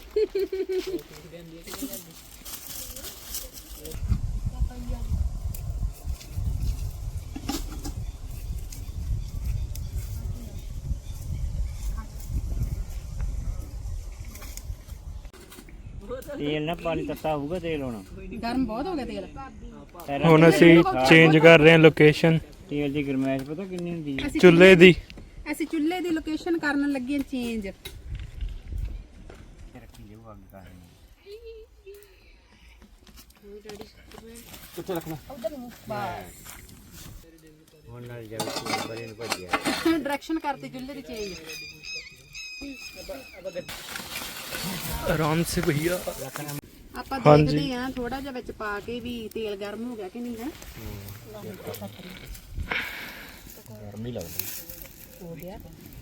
Speaker 4: ਤੇਲ ਨਾ ਪਾਣੀ ਤੱਤਾ ਹੋਊਗਾ, ਤੇਲ ਹੋਣਾ
Speaker 2: ਗਰਮ ਬਹੁਤ ਹੋ ਗਿਆ ਤੇਲ।
Speaker 5: ਹੁਣ ਅਸੀਂ ਚੇਂਜ ਕਰ ਰਹੇ ਹਾਂ ਲੋਕੇਸ਼ਨ
Speaker 4: ਤੇਲ ਦੀ ਗਰਮੈਸ਼ ਪਤਾ ਕਿੰਨੀ ਹੁੰਦੀ ਹੈ?
Speaker 5: ਚੁੱਲ੍ਹੇ ਦੀ।
Speaker 2: ਅਸੀਂ ਚੁੱਲ੍ਹੇ ਦੀ ਲੋਕੇਸ਼ਨ ਕਰਨ ਲੱਗੇ ਹਾਂ ਚੇਂਜ।
Speaker 4: ਰੱਖੀ ਜਾਊ ਅੱਗ ਕਰ
Speaker 1: ਕਿੱਥੇ ਰੱਖਣਾ?
Speaker 4: ਹੁਣ ਨਾਲ ਜਾਊ ਬਰੇ ਨੂੰ ਭੱਜਿਆ।
Speaker 2: ਡਾਇਰੈਕਸ਼ਨ ਕਰਤੀ ਚੁੱਲ੍ਹੇ ਦੀ ਚੇਂਜ।
Speaker 5: ਆਰਾਮ ਸੇ ਭਈਆ।
Speaker 2: ਆਪਾਂ
Speaker 5: ਹਾਂਜੀ।
Speaker 2: ਦੇਖਦੇ ਹਾਂ ਥੋੜਾ ਜਿਹਾ ਵਿੱਚ ਪਾ ਕੇ ਵੀ ਤੇਲ ਗਰਮ ਹੋ ਗਿਆ ਕਿ ਨਹੀਂ ਹੈ।
Speaker 1: ਗਰਮੀ ਲੱਗਦੀ
Speaker 2: ਹੋ ਗਿਆ।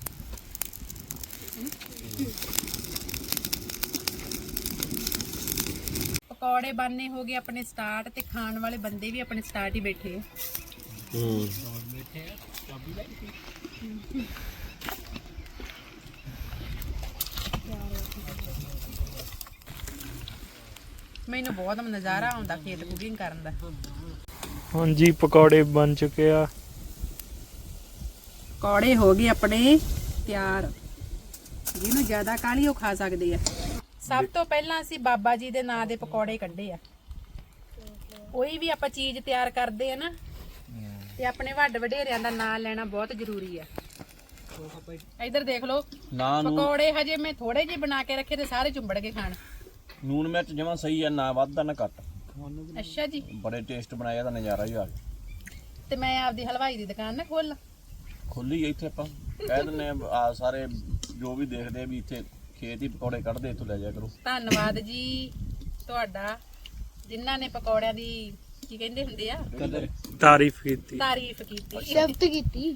Speaker 2: ਪਕੌੜੇ ਬਣਨੇ ਹੋ ਗਏ ਆਪਣੇ ਸਟਾਰਟ, ਤੇ ਖਾਣ ਵਾਲੇ ਬੰਦੇ ਵੀ ਆਪਣੇ ਸਟਾਰਟ ਹੀ ਬੈਠੇ ਆ।
Speaker 1: ਹੂੰ,
Speaker 2: ਮੈਨੂੰ ਬਹੁਤ ਨਜ਼ਾਰਾ ਆਉਂਦਾ ਖੇਤ ਕੁਕਿੰਗ ਕਰਨ ਦਾ।
Speaker 5: ਹਾਂਜੀ, ਪਕੌੜੇ ਬਣ ਚੁੱਕੇ ਆ।
Speaker 2: ਪਕੌੜੇ ਹੋ ਗਏ ਆਪਣੇ ਤਿਆਰ। ਜਿਹਨੂੰ ਜ਼ਿਆਦਾ ਕਾਲੀ ਉਹ ਖਾ ਸਕਦੇ ਆ। ਸਭ ਤੋਂ ਪਹਿਲਾਂ ਅਸੀਂ ਬਾਬਾ ਜੀ ਦੇ ਨਾਂ ਦੇ ਪਕੌੜੇ ਕੱਢੇ ਆ। ਕੋਈ ਵੀ ਆਪਾਂ ਚੀਜ਼ ਤਿਆਰ ਕਰਦੇ ਆ ਨਾ ਤੇ ਆਪਣੇ ਵੱਡ ਵਡੇਰਿਆਂ ਦਾ ਨਾਂ ਲੈਣਾ ਬਹੁਤ ਜ਼ਰੂਰੀ ਆ। ਇੱਧਰ ਦੇਖ ਲਓ,
Speaker 1: ਨਾ ਨੂੰ
Speaker 2: ਪਕੌੜੇ ਹਜੇ ਮੈਂ ਥੋੜੇ ਜਿਹੇ ਬਣਾ ਕੇ ਰੱਖੇ ਤੇ ਸਾਰੇ ਚੁੰਬੜ ਕੇ ਖਾਣ।
Speaker 1: ਨੂਨ ਮਿਰਚ ਜਮਾਂ ਸਹੀ ਆ, ਨਾ ਵੱਧ ਨਾ ਘੱਟ।
Speaker 2: ਅੱਛਾ ਜੀ,
Speaker 1: ਬੜੇ ਟੇਸਟ ਬਣਾਇਆ ਤਾਂ ਨਜ਼ਾਰਾ ਹੀ ਆ ਗਿਆ।
Speaker 2: ਤੇ ਮੈਂ ਆਪਦੀ ਹਲਵਾਈ ਦੀ ਦੁਕਾਨ ਨਾ ਖੋਲ
Speaker 1: ਖੁੱਲੀ ਇੱਥੇ ਆਪਾਂ ਕਹਿ ਦਿੰਨੇ ਆ ਸਾਰੇ ਜੋ ਵੀ ਦੇਖਦੇ ਆ ਵੀ ਇੱਥੇ ਖੇਤ ਹੀ ਪਕੌੜੇ ਕੱਢਦੇ, ਇੱਥੋਂ ਲੈ ਜਾਇਆ ਕਰੋ।
Speaker 2: ਧੰਨਵਾਦ ਜੀ ਤੁਹਾਡਾ, ਜਿਨ੍ਹਾਂ ਨੇ ਪਕੌੜਿਆਂ ਦੀ ਕੀ ਕਹਿੰਦੇ ਹੁੰਦੇ ਆ
Speaker 5: ਤਾਰੀਫ ਕੀਤੀ।
Speaker 2: ਤਾਰੀਫ ਕੀਤੀ।
Speaker 3: ਸ਼ਬਦ ਕੀਤੀ।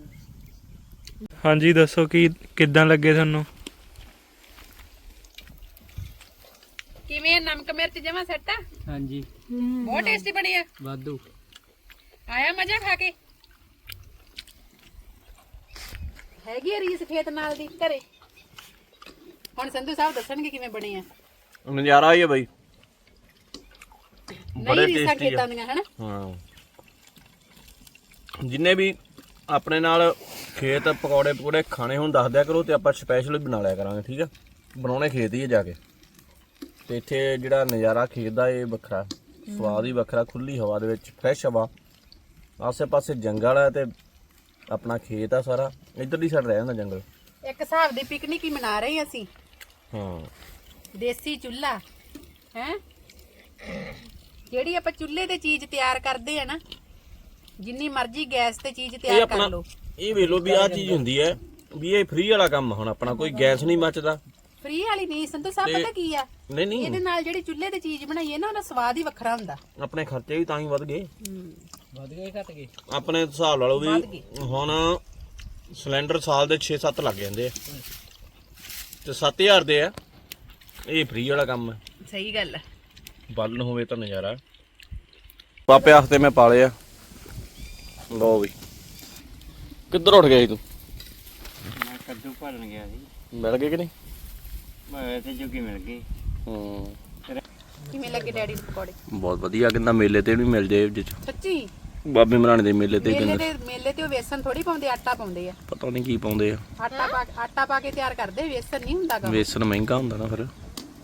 Speaker 5: ਹਾਂਜੀ ਦੱਸੋ ਕੀ ਕਿੱਦਾਂ ਲੱਗੇ ਤੁਹਾਨੂੰ?
Speaker 2: ਕਿਵੇਂ ਆ? ਨਮਕ ਮਿਰਚ ਜਮਾ ਸੈੱਟ ਆ?
Speaker 6: ਹਾਂਜੀ
Speaker 2: ਬਹੁਤ ਟੇਸਟੀ ਬਣੀ ਆ।
Speaker 6: ਵਾਧੂ।
Speaker 2: ਆਇਆ ਮਜ਼ਾ ਖਾ ਕੇ? ਹੈਗੀ ਆ ਰੀਸ ਖੇਤ ਨਾਲ ਦੀ ਘਰੇ? ਹੁਣ ਸੰਧੂ ਸਾਹਿਬ ਦੱਸਣਗੇ ਕਿਵੇਂ ਬਣੇ ਆ।
Speaker 1: ਨਜ਼ਾਰਾ ਹੀ ਆ ਬਾਈ,
Speaker 2: ਨਹੀਂ ਰੀਸਾਂ ਖੇਤਾਂ ਦੀਆਂ ਹਨਾ।
Speaker 1: ਹਾਂ ਜਿੰਨੇ ਵੀ ਆਪਣੇ ਨਾਲ ਖੇਤ ਪਕੌੜੇ ਪਕੌੜੇ ਖਾਣੇ ਹੁਣ ਦੱਸ ਦਿਆ ਕਰੋ ਤੇ ਆਪਾਂ ਸਪੈਸ਼ਲ ਬਣਾ ਲਿਆ ਕਰਾਂਗੇ, ਠੀਕ ਆ। ਬਣਾਉਣੇ ਖੇਤ ਹੀ ਆ ਜਾ ਕੇ। ਤੇ ਇੱਥੇ ਜਿਹੜਾ ਨਜ਼ਾਰਾ ਖੇਤ ਦਾ ਇਹ ਵੱਖਰਾ, ਸਵਾਦ ਹੀ ਵੱਖਰਾ। ਖੁੱਲੀ ਹਵਾ ਦੇ ਵਿੱਚ, ਫਰੈਸ਼ ਹਵਾ, ਆਸੇ ਪਾਸੇ ਜੰਗਲ ਹੈ ਤੇ ਆਪਣਾ ਖੇਤ ਆ ਸਾਰਾ। ਇੱਧਰਲੀ ਸਾਈਡ ਰਹਿ ਜਾਂਦਾ ਜੰਗਲ।
Speaker 2: ਇੱਕ ਹਿਸਾਬ ਦੀ ਪਿਕਨਿਕ ਹੀ ਮਨਾ ਰਹੇ ਅਸੀਂ।
Speaker 1: ਹਾਂ
Speaker 2: ਦੇਸੀ ਚੁੱਲ੍ਹਾ ਹੈ, ਜਿਹੜੀ ਆਪਾਂ ਚੁੱਲ੍ਹੇ ਤੇ ਚੀਜ਼ ਤਿਆਰ ਕਰਦੇ ਆ ਨਾ, ਜਿੰਨੀ ਮਰਜ਼ੀ ਗੈਸ ਤੇ ਚੀਜ਼
Speaker 1: ਇਹ
Speaker 2: ਤਿਆਰ
Speaker 1: ਆਪਣਾ
Speaker 2: ਕਰ ਲਓ।
Speaker 1: ਇਹ ਵੇਖ ਲਓ ਵੀ ਆਹ ਚੀਜ਼ ਹੁੰਦੀ ਹੈ ਵੀ ਇਹ ਫ੍ਰੀ ਵਾਲਾ ਕੰਮ। ਹੁਣ ਆਪਣਾ ਕੋਈ ਗੈਸ ਨਹੀਂ ਮੱਚਦਾ।
Speaker 2: ਫ੍ਰੀ ਵਾਲੀ ਨਹੀਂ ਸੰਧੂ ਸਾਹਿਬ,
Speaker 1: ਤੇ-
Speaker 2: ਪਤਾ ਕੀ ਆ,
Speaker 1: ਨਹੀਂ ਨਹੀਂ
Speaker 2: ਇਹਦੇ ਨਾਲ ਜਿਹੜੀ ਚੁੱਲ੍ਹੇ ਤੇ ਚੀਜ਼ ਬਣਾਈਏ ਨਾ ਉਹਦਾ ਸਵਾਦ ਹੀ ਵੱਖਰਾ ਹੁੰਦਾ।
Speaker 1: ਆਪਣੇ ਖਰਚੇ ਵੀ ਤਾਂ ਹੀ ਵੱਧ ਗਏ।
Speaker 6: ਵਧ ਗਏ ਘਟ ਗਏ।
Speaker 1: ਆਪਣੇ ਹਿਸਾਬ ਲਾ ਲਓ
Speaker 2: ਵੱਧ
Speaker 1: ਵੀ
Speaker 2: ਗਏ।
Speaker 1: ਹੁਣ ਸਿਲੰਡਰ ਸਾਲ ਦੇ ਛੇ ਸੱਤ ਲੱਗ ਜਾਂਦੇ ਆ ਤੇ ਸੱਤ ਹਜ਼ਾਰ ਦੇ ਆ। ਇਹ ਫ੍ਰੀ ਵਾਲਾ ਕੰਮ ਹੈ।
Speaker 2: ਸਹੀ ਗੱਲ ਹੈ।
Speaker 1: ਬਾਲਣ ਹੋਵੇ ਤਾਂ ਨਜ਼ਾਰਾ। ਪਾਪੇ ਹਫਤੇ ਮੈਂ ਪਾਲੇ ਆ। ਲਓ ਵੀ ਕਿੱਧਰ ਉੱਠ ਗਿਆ ਸੀ ਤੂੰ?
Speaker 4: ਮੈਂ ਕੱਦੂ ਭਰਨ ਗਿਆ ਸੀ,
Speaker 1: ਮਿਲ ਗਏ ਕਿ ਨਹੀਂ?
Speaker 4: ਮੈਂ ਤੇ ਜੋਗੀ ਮਿਲ ਗਈ।
Speaker 1: ਹੂੰ
Speaker 2: ਕਿਵੇਂ ਲੱਗੇ ਡੈਡੀ ਦੇ ਪਕੌੜੇ?
Speaker 1: ਬਹੁਤ ਵਧੀਆ। ਕਹਿੰਦਾ ਮੇਲੇ ਤੇ ਵੀ ਮਿਲ ਜੇ ਜਿੱਚ
Speaker 2: ਸੱਚੀ?
Speaker 1: ਬਾਬੇ ਮਰਾਣੇ ਦੇ ਮੇਲੇ ਤੇ
Speaker 2: ਮੇਲੇ
Speaker 1: ਕਹਿੰਦਾ
Speaker 2: ਤੇ ਮੇਲੇ ਤੇ ਉਹ ਵੇਸਣ ਥੋੜੀ ਪਾਉਂਦੇ, ਆਟਾ ਪਾਉਂਦੇ ਆ।
Speaker 1: ਪਤਾ ਨਹੀਂ ਕੀ ਪਾਉਂਦੇ ਆ।
Speaker 2: ਆਟਾ ਪਾ ਆਟਾ ਪਾ ਕੇ ਤਿਆਰ ਕਰਦੇ, ਵੇਸਣ ਨਹੀਂ ਹੁੰਦਾ ਗਾ।
Speaker 1: ਵੇਸਣ ਮਹਿੰਗਾ ਹੁੰਦਾ ਨਾ ਫਿਰ।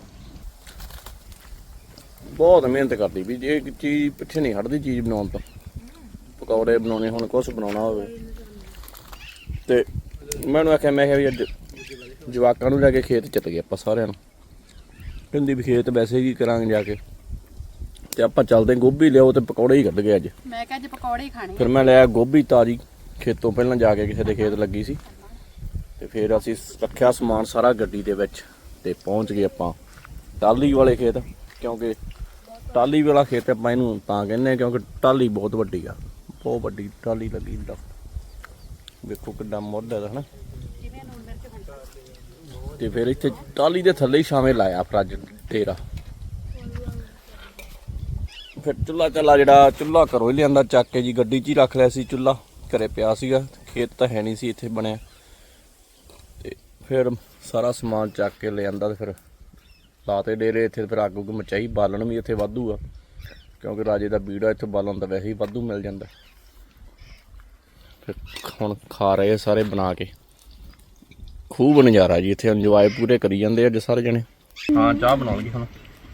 Speaker 1: ਬਹੁਤ ਮਿਹਨਤ ਕਰਦੀ ਵੀ ਜੇ ਇੱਕ ਚੀਜ਼ ਪਿੱਛੇ ਨਹੀਂ ਹਟਦੀ ਚੀਜ਼ ਬਣਾਉਣ ਤੋਂ। ਪਕੌੜੇ ਬਣਾਉਣੇ ਹੁਣ ਕੁਛ ਬਣਾਉਣਾ ਹੋਵੇ ਤੇ ਮੈਨੂੰ ਆਖਿਆ, ਮੈਂ ਕਿਹਾ ਵੀ ਅੱਜ ਜਵਾਕਾਂ ਨੂੰ ਲੈ ਕੇ ਖੇਤ ਚੱਲ ਗਏ ਆਪਾਂ ਸਾਰਿਆਂ ਨੂੰ। ਕਹਿੰਦੀ ਵੀ ਖੇਤ ਵੈਸੇ ਕੀ ਕਰਾਂਗੇ ਜਾ ਕੇ, ਤੇ ਆਪਾਂ ਚੱਲਦੇ ਗੋਭੀ ਲਿਆਓ ਤੇ ਪਕੌੜੇ ਹੀ ਕੱਢ ਗਏ ਅੱਜ।
Speaker 2: ਮੈਂ ਕਿਹਾ ਅੱਜ ਪਕੌੜੇ ਹੀ ਖਾਣੇ।
Speaker 1: ਫਿਰ ਮੈਂ ਲਿਆ ਗੋਭੀ ਤਾਜ਼ੀ ਖੇਤੋਂ, ਪਹਿਲਾਂ ਜਾ ਕੇ ਕਿਸੇ ਦੇ ਖੇਤ ਲੱਗੀ ਸੀ ਤੇ ਫਿਰ ਅਸੀਂ ਰੱਖਿਆ ਸਮਾਨ ਸਾਰਾ ਗੱਡੀ ਦੇ ਵਿੱਚ ਤੇ ਪਹੁੰਚ ਗਏ ਆਪਾਂ ਟਾਹਲੀ ਵਾਲੇ ਖੇਤ। ਕਿਉਂਕਿ ਟਾਹਲੀ ਵਾਲਾ ਖੇਤ ਆਪਾਂ ਇਹਨੂੰ ਤਾਂ ਕਹਿੰਦੇ ਕਿਉਂਕਿ ਟਾਹਲੀ ਬਹੁਤ ਵੱਡੀ ਆ, ਬਹੁਤ ਵੱਡੀ ਟਾਹਲੀ ਲੱਗੀ ਹੁੰਦਾ। ਵੇਖੋ ਕਿੱਡਾ ਮੁੱਢ ਹੈ ਹਨਾ। ਤੇ ਫਿਰ ਇੱਥੇ ਟਾਹਲੀ ਦੇ ਥੱਲੇ ਹੀ ਛਾਵੇਂ ਲਾਇਆ ਫਿਰ ਅੱਜ ਡੇਰਾ। ਫਿਰ ਚੁੱਲ੍ਹਾ ਚੱਲਾ, ਜਿਹੜਾ ਚੁੱਲ੍ਹਾ ਘਰੋਂ ਹੀ ਲਿਆਂਦਾ ਚੱਕ ਕੇ ਜੀ, ਗੱਡੀ 'ਚ ਹੀ ਰੱਖ ਲਿਆ ਸੀ ਚੁੱਲ੍ਹਾ। ਘਰੇ ਪਿਆ ਸੀਗਾ, ਖੇਤ ਤਾਂ ਹੈ ਨਹੀਂ ਸੀ ਇੱਥੇ ਬਣਿਆ। ਤੇ ਫਿਰ ਸਾਰਾ ਸਮਾਨ ਚੱਕ ਕੇ ਲਿਆਂਦਾ ਤੇ ਫਿਰ ਲਾਤੇ ਡੇਰੇ ਇੱਥੇ। ਫਿਰ ਅੱਗ ਉੱਗ ਮਚਾਈ, ਬਾਲਣ ਵੀ ਇੱਥੇ ਵਾਧੂ ਆ ਕਿਉਂਕਿ ਰਾਜੇ ਦਾ ਬੀੜਾ, ਇੱਥੇ ਬਾਲਣ ਤਾਂ ਵੈਸੇ ਹੀ ਵਾਧੂ ਮਿਲ ਜਾਂਦਾ। ਫਿਰ ਹੁਣ ਖਾ ਰਹੇ ਸਾਰੇ ਬਣਾ ਕੇ। ਖੂਬ ਨਜ਼ਾਰਾ ਜੀ ਇੱਥੇ, ਇੰਜੋਏ ਪੂਰੇ ਕਰੀ ਜਾਂਦੇ ਅੱਜ ਸਾਰੇ ਜਣੇ। ਹਾਂ ਚਾਹ ਬਣਾਉਣਗੇ ਹੁਣ।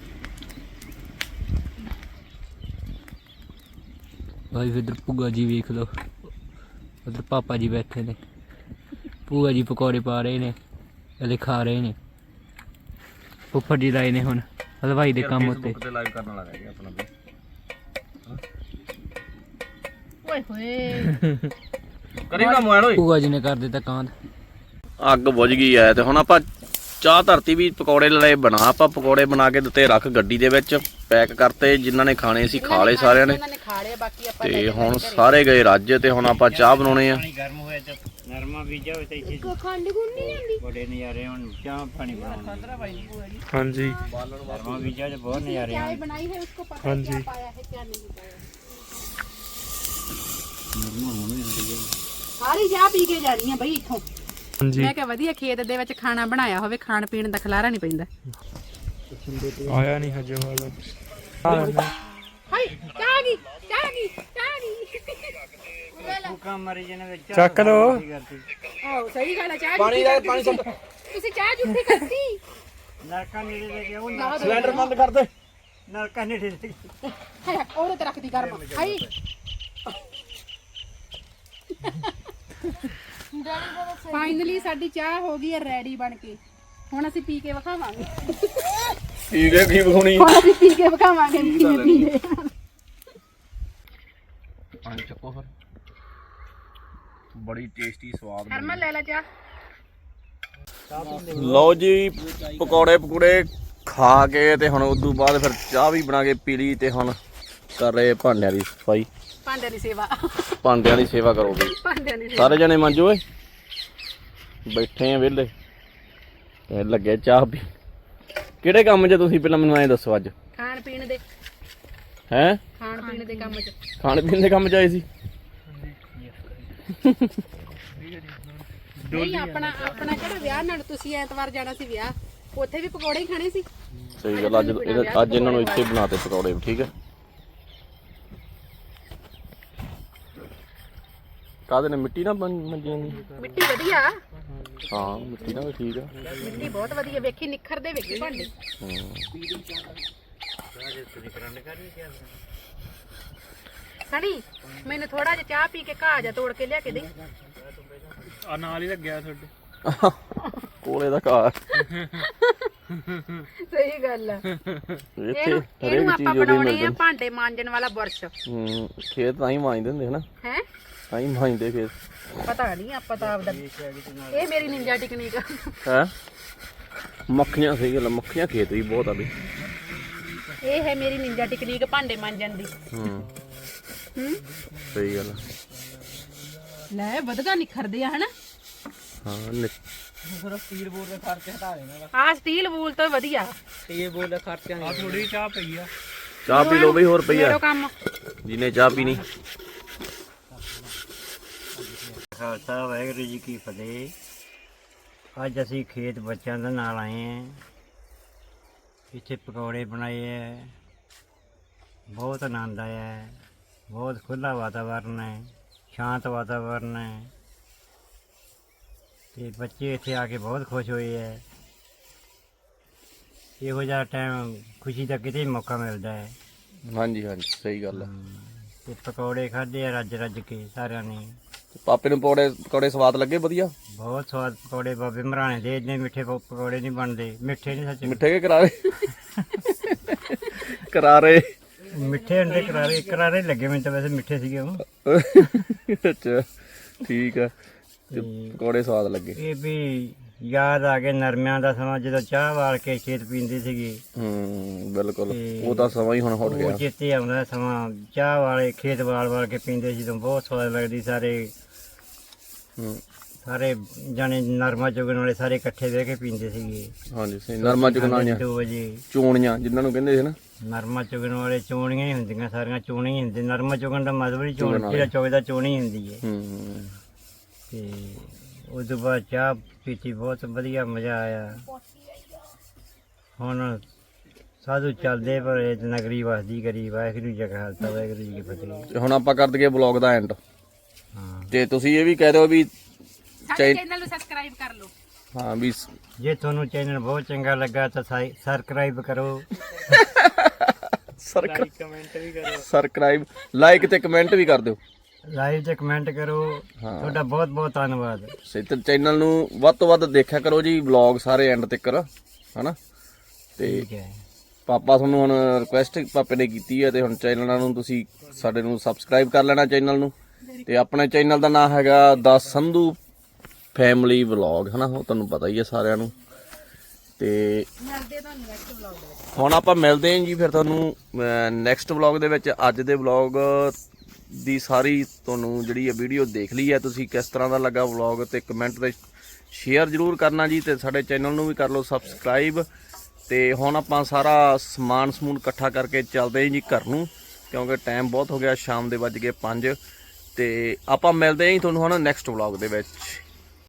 Speaker 6: ਭਾਈ ਇਧਰ ਭੂਆ ਜੀ ਵੇਖ ਲਓ, ਉਧਰ ਪਾਪਾ ਜੀ ਬੈਠੇ ਨੇ। ਭੂਆ ਜੀ ਪਕੌੜੇ ਪਾ ਰਹੇ ਨੇ, ਹਲੇ ਖਾ ਰਹੇ ਨੇ। ਫੁੱਫੜ ਜੀ ਲਾਏ ਨੇ ਹੁਣ ਹਲਵਾਈ ਦੇ ਕੰਮ ਉੱਤੇ।
Speaker 1: ਤੇ ਲਾਈਵ ਕਰਨ ਲੱਗਾ ਜੀ ਆਪਣਾ ਵੀ।
Speaker 2: ਓਏ ਹੋਏ
Speaker 1: ਕਰੀ ਨਾ ਮੋਬਾਈਲ ਓਏ।
Speaker 6: ਭੂਆ ਜੀ ਨੇ ਕਰ ਦਿੱਤਾ ਕਾਂਡ।
Speaker 1: ਅੱਗ ਬੁਝ ਗਈ ਐ ਤੇ ਹੁਣ ਆਪਾਂ ਚਾਹ ਧਰਤੀ ਵੀ ਪਕੌੜੇ ਲਏ ਬਣਾ। ਆਪਾਂ ਪਕੌੜੇ ਬਣਾ ਕੇ ਦਿੱਤੇ ਰੱਖ ਗੱਡੀ ਦੇ ਵਿੱਚ, ਪੈਕ ਕਰਤੇ। ਜਿਨ੍ਹਾਂ ਨੇ ਖਾਣੇ ਸੀ ਖਾ ਲਏ ਸਾਰਿਆਂ ਨੇ।
Speaker 2: ਉਹਨਾਂ ਨੇ ਖਾ ਲਏ, ਬਾਕੀ ਆਪਾਂ ਲੈ
Speaker 1: ਤੇ
Speaker 2: ਕੇ
Speaker 1: ਹੁਣ
Speaker 2: ਘਰੇ।
Speaker 1: ਸਾਰੇ ਗਏ ਰੱਜ ਤੇ ਹੁਣ ਆਪਾਂ ਚਾਹ ਬਣਾਉਣੇ ਆ।
Speaker 4: ਪਾਣੀ ਗਰਮ ਹੋਇਆ ਤੇ ਨਰਮਾ ਬੀਜਾ ਹੋਇਆ ਤੇ ਇੱਥੇ
Speaker 3: ਖੰਡ ਗੁੰਨੀ ਜਾਂਦੀ।
Speaker 4: ਬੜੇ ਨਜ਼ਾਰੇ। ਹੁਣ ਚਾਹ ਪਾਣੀ ਬਣਾਉਣਾ,
Speaker 5: ਹਾਂਜੀ
Speaker 4: ਨਰਮਾ ਬੀਜਾ ਤੇ ਬਹੁਤ ਨਜ਼ਾਰੇ
Speaker 2: चाय
Speaker 4: ਹਨ।
Speaker 2: बनाई है उसको पता है
Speaker 5: हाँ
Speaker 2: क्या
Speaker 5: जी।
Speaker 2: पाया है क्या नहीं पाया। ਸਾਰੀ ਚਾਹ ਪੀ ਕੇ ਜਾਣੀ ਆ ਬਈ ਇੱਥੋਂ।
Speaker 5: ਹਾਂਜੀ
Speaker 2: ਮੈਂ ਕਿਹਾ ਵਧੀਆ ਖੇਤ ਦੇ ਵਿੱਚ ਖਾਣਾ ਬਣਾਇਆ ਹੋਵੇ, ਖਾਣ ਪੀਣ ਦਾ ਖਲਾਰਾ ਨਹੀਂ ਪੈਂਦਾ।
Speaker 5: ਆਇਆ ਨਹੀਂ ਹਜੇ ਵਾਲਾ।
Speaker 2: ਹਾਏ ਚਾਹ ਗਈ ਚਾਹ ਗਈ ਚਾਹ ਗਈ
Speaker 4: ਭੁੱਖਾ ਮਰੀ ਜਿਹਨੇ ਵਿੱਚ
Speaker 5: ਚੱਕ ਲਓ।
Speaker 2: ਆਹੋ ਸਹੀ ਗੱਲ ਹੈ ਚਾਹ ਪਾਣੀ ਦਾ ਪਾਣੀ ਸੁੱਟ ਤੁਸੀਂ ਚਾਹ ਜੁੱਠੀ ਕਰਤੀ
Speaker 4: ਨਲਕਾ ਨੇੜੇ ਲੈ ਕੇ ਉਹ
Speaker 1: ਸਿਲੰਡਰ ਬੰਦ ਕਰ ਦੇ।
Speaker 4: ਨਲਕਾ ਨੇੜੇ ਲੈ ਕੇ
Speaker 2: ਹਾਏ ਉਹਦੇ ਤੇ ਰੱਖਦੀ ਗਰਮ ਹਾਈ ਫਾਈਨਲੀ ਸਾਡੀ ਚਾਹ ਹੋ ਗਈ ਹੈ ਰੈਡੀ ਬਣ ਕੇ ਹੁਣ ਅਸੀਂ ਪੀ ਕੇ ਵਿਖਾਵਾਂਗੇ
Speaker 1: ਠੀਕ ਹੈ ਕੀ ਵਿਖਾਉਣੀ
Speaker 2: ਹੁਣ ਅਸੀਂ ਪੀ ਕੇ ਵਿਖਾਵਾਂਗੇ ਵੀ ਕਿਵੇਂ ਪੀਂਦੇ ਆ।
Speaker 1: ਪਾਣੀ ਚੱਕੋ ਫਿਰ ਬੜੀ ਟੇਸਟੀ ਸਵਾਦ
Speaker 2: ਹਰਮਨ ਲੈ ਲੈ ਚਾਹ
Speaker 1: ਲਓ ਜੀ ਪਕੌੜੇ ਪਕੂੜੇ ਖਾ ਕੇ ਤੇ ਹੁਣ ਉਦੋਂ ਬਾਅਦ ਫਿਰ ਚਾਹ ਵੀ ਬਣਾ ਕੇ ਪੀ ਲਈ ਤੇ ਹੁਣ ਕਰ ਰਹੇ ਭਾਂਡਿਆਂ ਦੀ ਸਫਾਈ
Speaker 2: ਭਾਂਡਿਆਂ ਦੀ ਸੇਵਾ
Speaker 1: ਭਾਂਡਿਆਂ ਦੀ ਸੇਵਾ ਕਰੋਗੇ
Speaker 2: ਭਾਂਡਿਆਂ ਦੀ
Speaker 1: ਸਾਰੇ ਜਣੇ ਮੰਜੋ ਓਏ ਬੈਠੇ ਆ ਵਿਹਲੇ ਤੇ ਲੱਗੇ ਚਾਹ ਪੀ ਕਿਹੜੇ ਕੰਮ 'ਚ ਤੁਸੀਂ ਪਹਿਲਾਂ ਮੈਨੂੰ ਐਂ ਦੱਸੋ ਅੱਜ
Speaker 2: ਖਾਣ ਪੀਣ ਦੇ
Speaker 1: ਹੈਂ
Speaker 2: ਖਾਣ ਪੀਣ ਦੇ ਕੰਮ 'ਚ
Speaker 1: ਖਾਣ ਪੀਣ ਦੇ ਕੰਮ 'ਚ ਆਏ ਸੀ
Speaker 2: ਨਹੀਂ ਆਪਣਾ ਆਪਣਾ ਕਿਹੜਾ ਵਿਆਹ ਨਾਲ ਤੁਸੀਂ ਐਤਵਾਰ ਜਾਣਾ ਸੀ ਵਿਆਹ ਉੱਥੇ ਵੀ ਪਕੌੜੇ ਹੀ ਖਾਣੇ ਸੀ
Speaker 1: ਸਹੀ ਗੱਲ ਅੱਜ ਇਹਦਾ- ਅੱਜ ਇਹਨਾਂ ਨੂੰ ਇੱਥੇ ਬਣਾਤੇ ਪਕੌੜੇ ਵੀ ਠੀਕ ਹੈ ਕਾਹਦੇ ਨੇ ਮਿੱਟੀ ਨਾਲ ਬਣ- ਮੰਜੀਆਂ ਨੇ
Speaker 2: ਮਿੱਟੀ ਵਧੀਆ
Speaker 1: ਹਾਂ ਮਿੱਟੀ ਨਾਲ ਵੀ ਠੀਕ ਆ
Speaker 2: ਮਿੱਟੀ ਬਹੁਤ ਵਧੀਆ ਵੇਖੀ ਨਿਖਰਦੇ ਵੇਖੀ ਭਾਂਡੇ ਸਣੀ ਮੈਨੂੰ ਥੋੜਾ ਜਿਹਾ ਚਾਹ ਪੀ ਕੇ ਘਾਹ ਜਾ ਤੋੜ ਕੇ ਲਿਆ ਕੇ ਦੇ
Speaker 5: ਆ ਨਾਲ ਹੀ ਲੱਗਿਆ ਤੁਹਾਡੇ
Speaker 1: ਕੋਲੇ ਦਾ ਘਾਹ
Speaker 2: ਸਹੀ ਗੱਲ ਆ
Speaker 1: ਇੱਥੇ
Speaker 2: ਇਹਨੂੰ
Speaker 1: ਹਰੇਕ
Speaker 2: ਇਹਨੂੰ
Speaker 1: ਚੀਜ਼
Speaker 2: ਆਪਾਂ
Speaker 1: ਉਹਦੀ
Speaker 2: ਬਣਾਉਣੇ
Speaker 1: ਮਿਲ
Speaker 2: ਆ
Speaker 1: ਜਾਂਦੀ
Speaker 2: ਭਾਂਡੇ ਮਾਂਜਣ ਵਾਲਾ ਬੁਰਸ਼
Speaker 1: ਹੂੰ ਖੇਤ ਤਾਂ ਹੀ ਮਾਂਜਦੇ ਹੁੰਦੇ ਹਨਾ
Speaker 2: ਹੈ
Speaker 1: ਤਾਂ ਹੀ ਮਾਂਜਦੇ ਖੇਤ
Speaker 2: ਪਤਾ ਨਹੀਂ ਆਪਾਂ ਤਾਂ ਆਪਦਾ ਇਹ ਮੇਰੀ ਨਿੰਜਾ ਟੈਕਨੀਕ ਆ
Speaker 1: ਹੈ ਮੱਖੀਆਂ ਸਹੀ ਗੱਲ ਆ, ਮੱਖੀਆਂ ਖੇਤ ਵੀ ਬਹੁਤ ਆ ਵੀ
Speaker 2: ਇਹ ਹੈ ਮੇਰੀ ਨਿੰਜਾ ਟੈਕਨੀਕ ਭਾਂਡੇ ਮਾਂਜਣ ਦੀ
Speaker 1: ਹੂੰ
Speaker 2: ਹੂੰ
Speaker 1: ਸਹੀ ਗੱਲ ਆ।
Speaker 2: ਲੈ ਵਧਗਾ ਨਿਖਰਦੇ ਆ ਹਨਾ
Speaker 1: ਹਾਂ ਨਿ-
Speaker 2: ਆ ਸਟੀਲ ਵੂਲ ਤੋਂ ਵਧੀਆ
Speaker 5: ਆ ਥੋੜੀ ਚਾਹ ਪਈ ਆ
Speaker 1: ਚਾਹ ਪੀ ਲਓ ਬਈ ਹੋਰ ਪਈ ਆ
Speaker 2: ਮੇਰੋ ਕੰਮ
Speaker 1: ਜਿਹਨੇ ਚਾਹ ਪੀਣੀ
Speaker 4: ਖਾਲਸਾ ਵਾਹਿਗੁਰੂ ਜੀ ਕੀ ਫਤਿਹ। ਅੱਜ ਅਸੀਂ ਖੇਤ ਬੱਚਿਆਂ ਦੇ ਨਾਲ ਆਏ ਹਾਂ। ਇੱਥੇ ਪਕੌੜੇ ਬਣਾਏ ਹੈ। ਬਹੁਤ ਆਨੰਦ ਆਇਆ ਹੈ। ਬਹੁਤ ਖੁੱਲ੍ਹਾ ਵਾਤਾਵਰਨ ਹੈ, ਸ਼ਾਂਤ ਵਾਤਾਵਰਨ ਹੈ ਤੇ ਬੱਚੇ ਇੱਥੇ ਆ ਕੇ ਬਹੁਤ ਖੁਸ਼ ਹੋਏ ਹੈ। ਇਹੋ ਜਿਹਾ ਟਾਈਮ ਖੁਸ਼ੀ ਦਾ ਕਿਤੇ ਮੌਕਾ ਮਿਲਦਾ ਹੈ।
Speaker 1: ਹਾਂਜੀ ਹਾਂਜੀ ਸਹੀ ਗੱਲ ਆ
Speaker 4: ਤੇ ਪਕੌੜੇ ਖਾਧੇ ਆ ਰੱਜ ਰੱਜ ਕੇ ਸਾਰਿਆਂ ਨੇ।
Speaker 1: ਪਾਪੇ ਨੂੰ ਪਕੌੜੇ ਪਕੌੜੇ ਸਵਾਦ ਲੱਗੇ ਵਧੀਆ
Speaker 4: ਬਹੁਤ ਸਵਾਦ ਪਕੌੜੇ ਬਾਬੇ ਮਰਾਣੇ ਦੇ ਇੰਨੇ ਮਿੱਠੇ ਪ- ਪਕੌੜੇ ਨਹੀਂ ਬਣਦੇ। ਮਿੱਠੇ ਨਹੀਂ ਸੱਚ
Speaker 1: ਮਿੱਠੇ ਕੇ ਕਰਾਰੇ ਕਰਾਰੇ
Speaker 4: ਮਿੱਠੇ ਹੁੰਦੇ ਕਰਾਰੇ ਕਰਾਰੇ ਲੱਗੇ ਮੈਨੂੰ ਤਾਂ ਵੈਸੇ ਮਿੱਠੇ ਸੀਗੇ ਉਹ।
Speaker 1: ਅੱਛਾ ਠੀਕ ਆ ਤੇ ਪਕੌੜੇ ਸਵਾਦ ਲੱਗੇ
Speaker 4: ਇਹ ਵੀ ਯਾਦ ਆ ਗਏ ਨਰਮਿਆਂ ਦਾ ਸਮਾਂ ਜਦੋਂ ਚਾਹ ਵਾਲ ਕੇ ਖੇਤ ਪੀਂਦੇ ਸੀਗੇ।
Speaker 1: ਹੂੰ ਬਿਲਕੁਲ
Speaker 4: ਤੇ
Speaker 1: ਉਹ ਤਾਂ ਸਮਾਂ ਹੀ ਹੁਣ ਹਟ
Speaker 4: ਉਹ
Speaker 1: ਗਿਆ
Speaker 4: ਚੇਤੇ ਆਉਂਦਾ ਸਮਾਂ ਚਾਹ ਵਾਲੇ ਖੇਤ ਵਾਲ ਵਾਲ ਕੇ ਪੀਂਦੇ ਸੀ ਤਾਂ ਬਹੁਤ ਸਵਾਦ ਲੱਗਦੀ। ਸਾਰੇ
Speaker 1: ਹੂੰ
Speaker 4: ਸਾਰੇ ਜਾਣੇ ਨਰਮਾ ਚੁਗਣ ਵਾਲੇ ਸਾਰੇ ਇਕੱਠੇ ਬਹਿ ਕੇ ਪੀਂਦੇ ਸੀਗੇ।
Speaker 1: ਹਾਂਜੀ ਸਹੀ ਨਰਮਾ ਚੁਗਣਾਈਆਂ
Speaker 4: ਦੋ ਵਜੇ
Speaker 1: ਚੋਣੀਆਂ ਜਿਨ੍ਹਾਂ ਨੂੰ ਕਹਿੰਦੇ ਸੀ ਨਾ
Speaker 4: ਨਰਮਾ ਚੁਗਣ ਵਾਲੇ ਚੋਣੀਆਂ ਹੀ ਹੁੰਦੀਆਂ ਸਾਰੀਆਂ ਚੋਣੀਆਂ ਹੀ ਹੁੰਦੇ। ਨਰਮਾ ਚੁਗਣ ਦਾ ਮਤਲਬ ਹੀ ਚੋਣ ਜਿਹੜਾ ਚੁਗਦਾ ਚੋਣੀ ਹੁੰਦੀ ਹੈ।
Speaker 1: ਹੂੰ
Speaker 4: ਤੇ ਉਸ ਤੋਂ ਬਾਅਦ ਚਾਹ ਪੀਤੀ ਬਹੁਤ ਵਧੀਆ ਮਜ਼ਾ ਆਇਆ। ਹੁਣ ਸਾਧੂ ਚੱਲਦੇ ਪਰ ਇਹ ਨਗਰੀ ਵਸਦੀ ਕਰੀ। ਵਾਹਿਗੁਰੂ ਜੀ ਕਾ ਖਾਲਸਾ ਵਾਹਿਗੁਰੂ ਜੀ ਕੀ ਫਤਿਹ।
Speaker 1: ਤੇ ਹੁਣ ਆਪਾਂ ਕਰ ਦਈਏ ਬਲੌਗ ਦਾ ਐਂਡ
Speaker 4: ਹਾਂ
Speaker 1: ਤੇ ਤੁਸੀਂ ਇਹ ਵੀ ਕਹਿ ਦਿਓ ਵੀ
Speaker 2: ਸਾਡੇ ਚੈਨਲ ਨੂੰ ਸਬਸਕ੍ਰਾਈਬ ਕਰ ਲਓ
Speaker 1: ਹਾਂ ਵੀ
Speaker 4: ਜੇ ਤੁਹਾਨੂੰ ਚੈਨਲ ਬਹੁਤ ਚੰਗਾ ਲੱਗਾ ਤਾਂ ਸਬਸਕ੍ਰਾਈਬ ਕਰੋ।
Speaker 1: ਸਬਸਕ੍ਰਾਈਬ ਲਾਈਕ ਤੇ ਕਮੈਂਟ ਵੀ ਕਰ ਦਿਓ
Speaker 4: ਲਾਈਵ ਤੇ ਕਮੈਂਟ ਕਰੋ। ਤੁਹਾਡਾ ਬਹੁਤ ਬਹੁਤ ਧੰਨਵਾਦ।
Speaker 1: ਤੇ ਚੈਨਲ ਨੂੰ ਵੱਧ ਤੋਂ ਵੱਧ ਦੇਖਿਆ ਕਰੋ ਜੀ ਵਲੌਗ ਸਾਰੇ ਐਂਡ ਤੱਕ ਹਨਾ ਤੇ
Speaker 4: ਠੀਕ ਹੈ।
Speaker 1: ਪਾਪਾ ਤੁਹਾਨੂੰ ਹੁਣ ਰਿਕੁਐਸਟ ਪਾਪੇ ਨੇ ਕੀਤੀ ਹੈ ਤੇ ਹੁਣ ਚੈਨਲਾਂ ਨੂੰ ਤੁਸੀਂ ਸਾਡੇ ਨੂੰ ਸਬਸਕ੍ਰਾਈਬ ਕਰ ਲੈਣਾ ਚੈਨਲ ਨੂੰ ਤੇ ਆਪਣੇ ਚੈਨਲ ਦਾ ਨਾਮ ਹੈਗਾ ਦਾ ਸੰਧੂ ਫੈਮਿਲੀ ਵਲੌਗ ਹਨਾ ਉਹ ਤੁਹਾਨੂੰ ਪਤਾ ਹੀ ਹੈ ਸਾਰਿਆਂ ਨੂੰ ਤੇ
Speaker 2: ਮਿਲਦੇ ਤੁਹਾਨੂੰ ਨੈਕਸਟ ਵਲੌਗ ਦੇ ਵਿੱਚ।
Speaker 1: ਹੁਣ ਆਪਾਂ ਮਿਲਦੇ ਹਾਂ ਜੀ ਫਿਰ ਤੁਹਾਨੂੰ ਨੈਕਸਟ ਵਲੌਗ ਦੇ ਵਿੱਚ। ਅੱਜ ਦੇ ਵਲੌਗ ਦੀ ਸਾਰੀ ਤੁਹਾਨੂੰ ਜਿਹੜੀ ਇਹ ਵੀਡੀਓ ਦੇਖ ਲਈ ਹੈ ਤੁਸੀਂ ਕਿਸ ਤਰ੍ਹਾਂ ਦਾ ਲੱਗਾ ਵਲੌਗ ਤੇ ਕਮੈਂਟ ਤੇ ਸ਼ੇਅਰ ਜ਼ਰੂਰ ਕਰਨਾ ਜੀ ਤੇ ਸਾਡੇ ਚੈਨਲ ਨੂੰ ਵੀ ਕਰ ਲਓ ਸਬਸਕ੍ਰਾਈਬ। ਤੇ ਹੁਣ ਆਪਾਂ ਸਾਰਾ ਸਮਾਨ ਸਮੂਨ ਇਕੱਠਾ ਕਰਕੇ ਚੱਲਦੇ ਹਾਂ ਜੀ ਘਰ ਨੂੰ ਕਿਉਂਕਿ ਟਾਈਮ ਬਹੁਤ ਹੋ ਗਿਆ ਸ਼ਾਮ ਦੇ ਵੱਜ ਗਏ ਪੰਜ ਤੇ ਆਪਾਂ ਮਿਲਦੇ ਹਾਂ ਜੀ ਤੁਹਾਨੂੰ ਹੁਣ ਨੈਕਸਟ ਵਲੌਗ ਦੇ ਵਿੱਚ।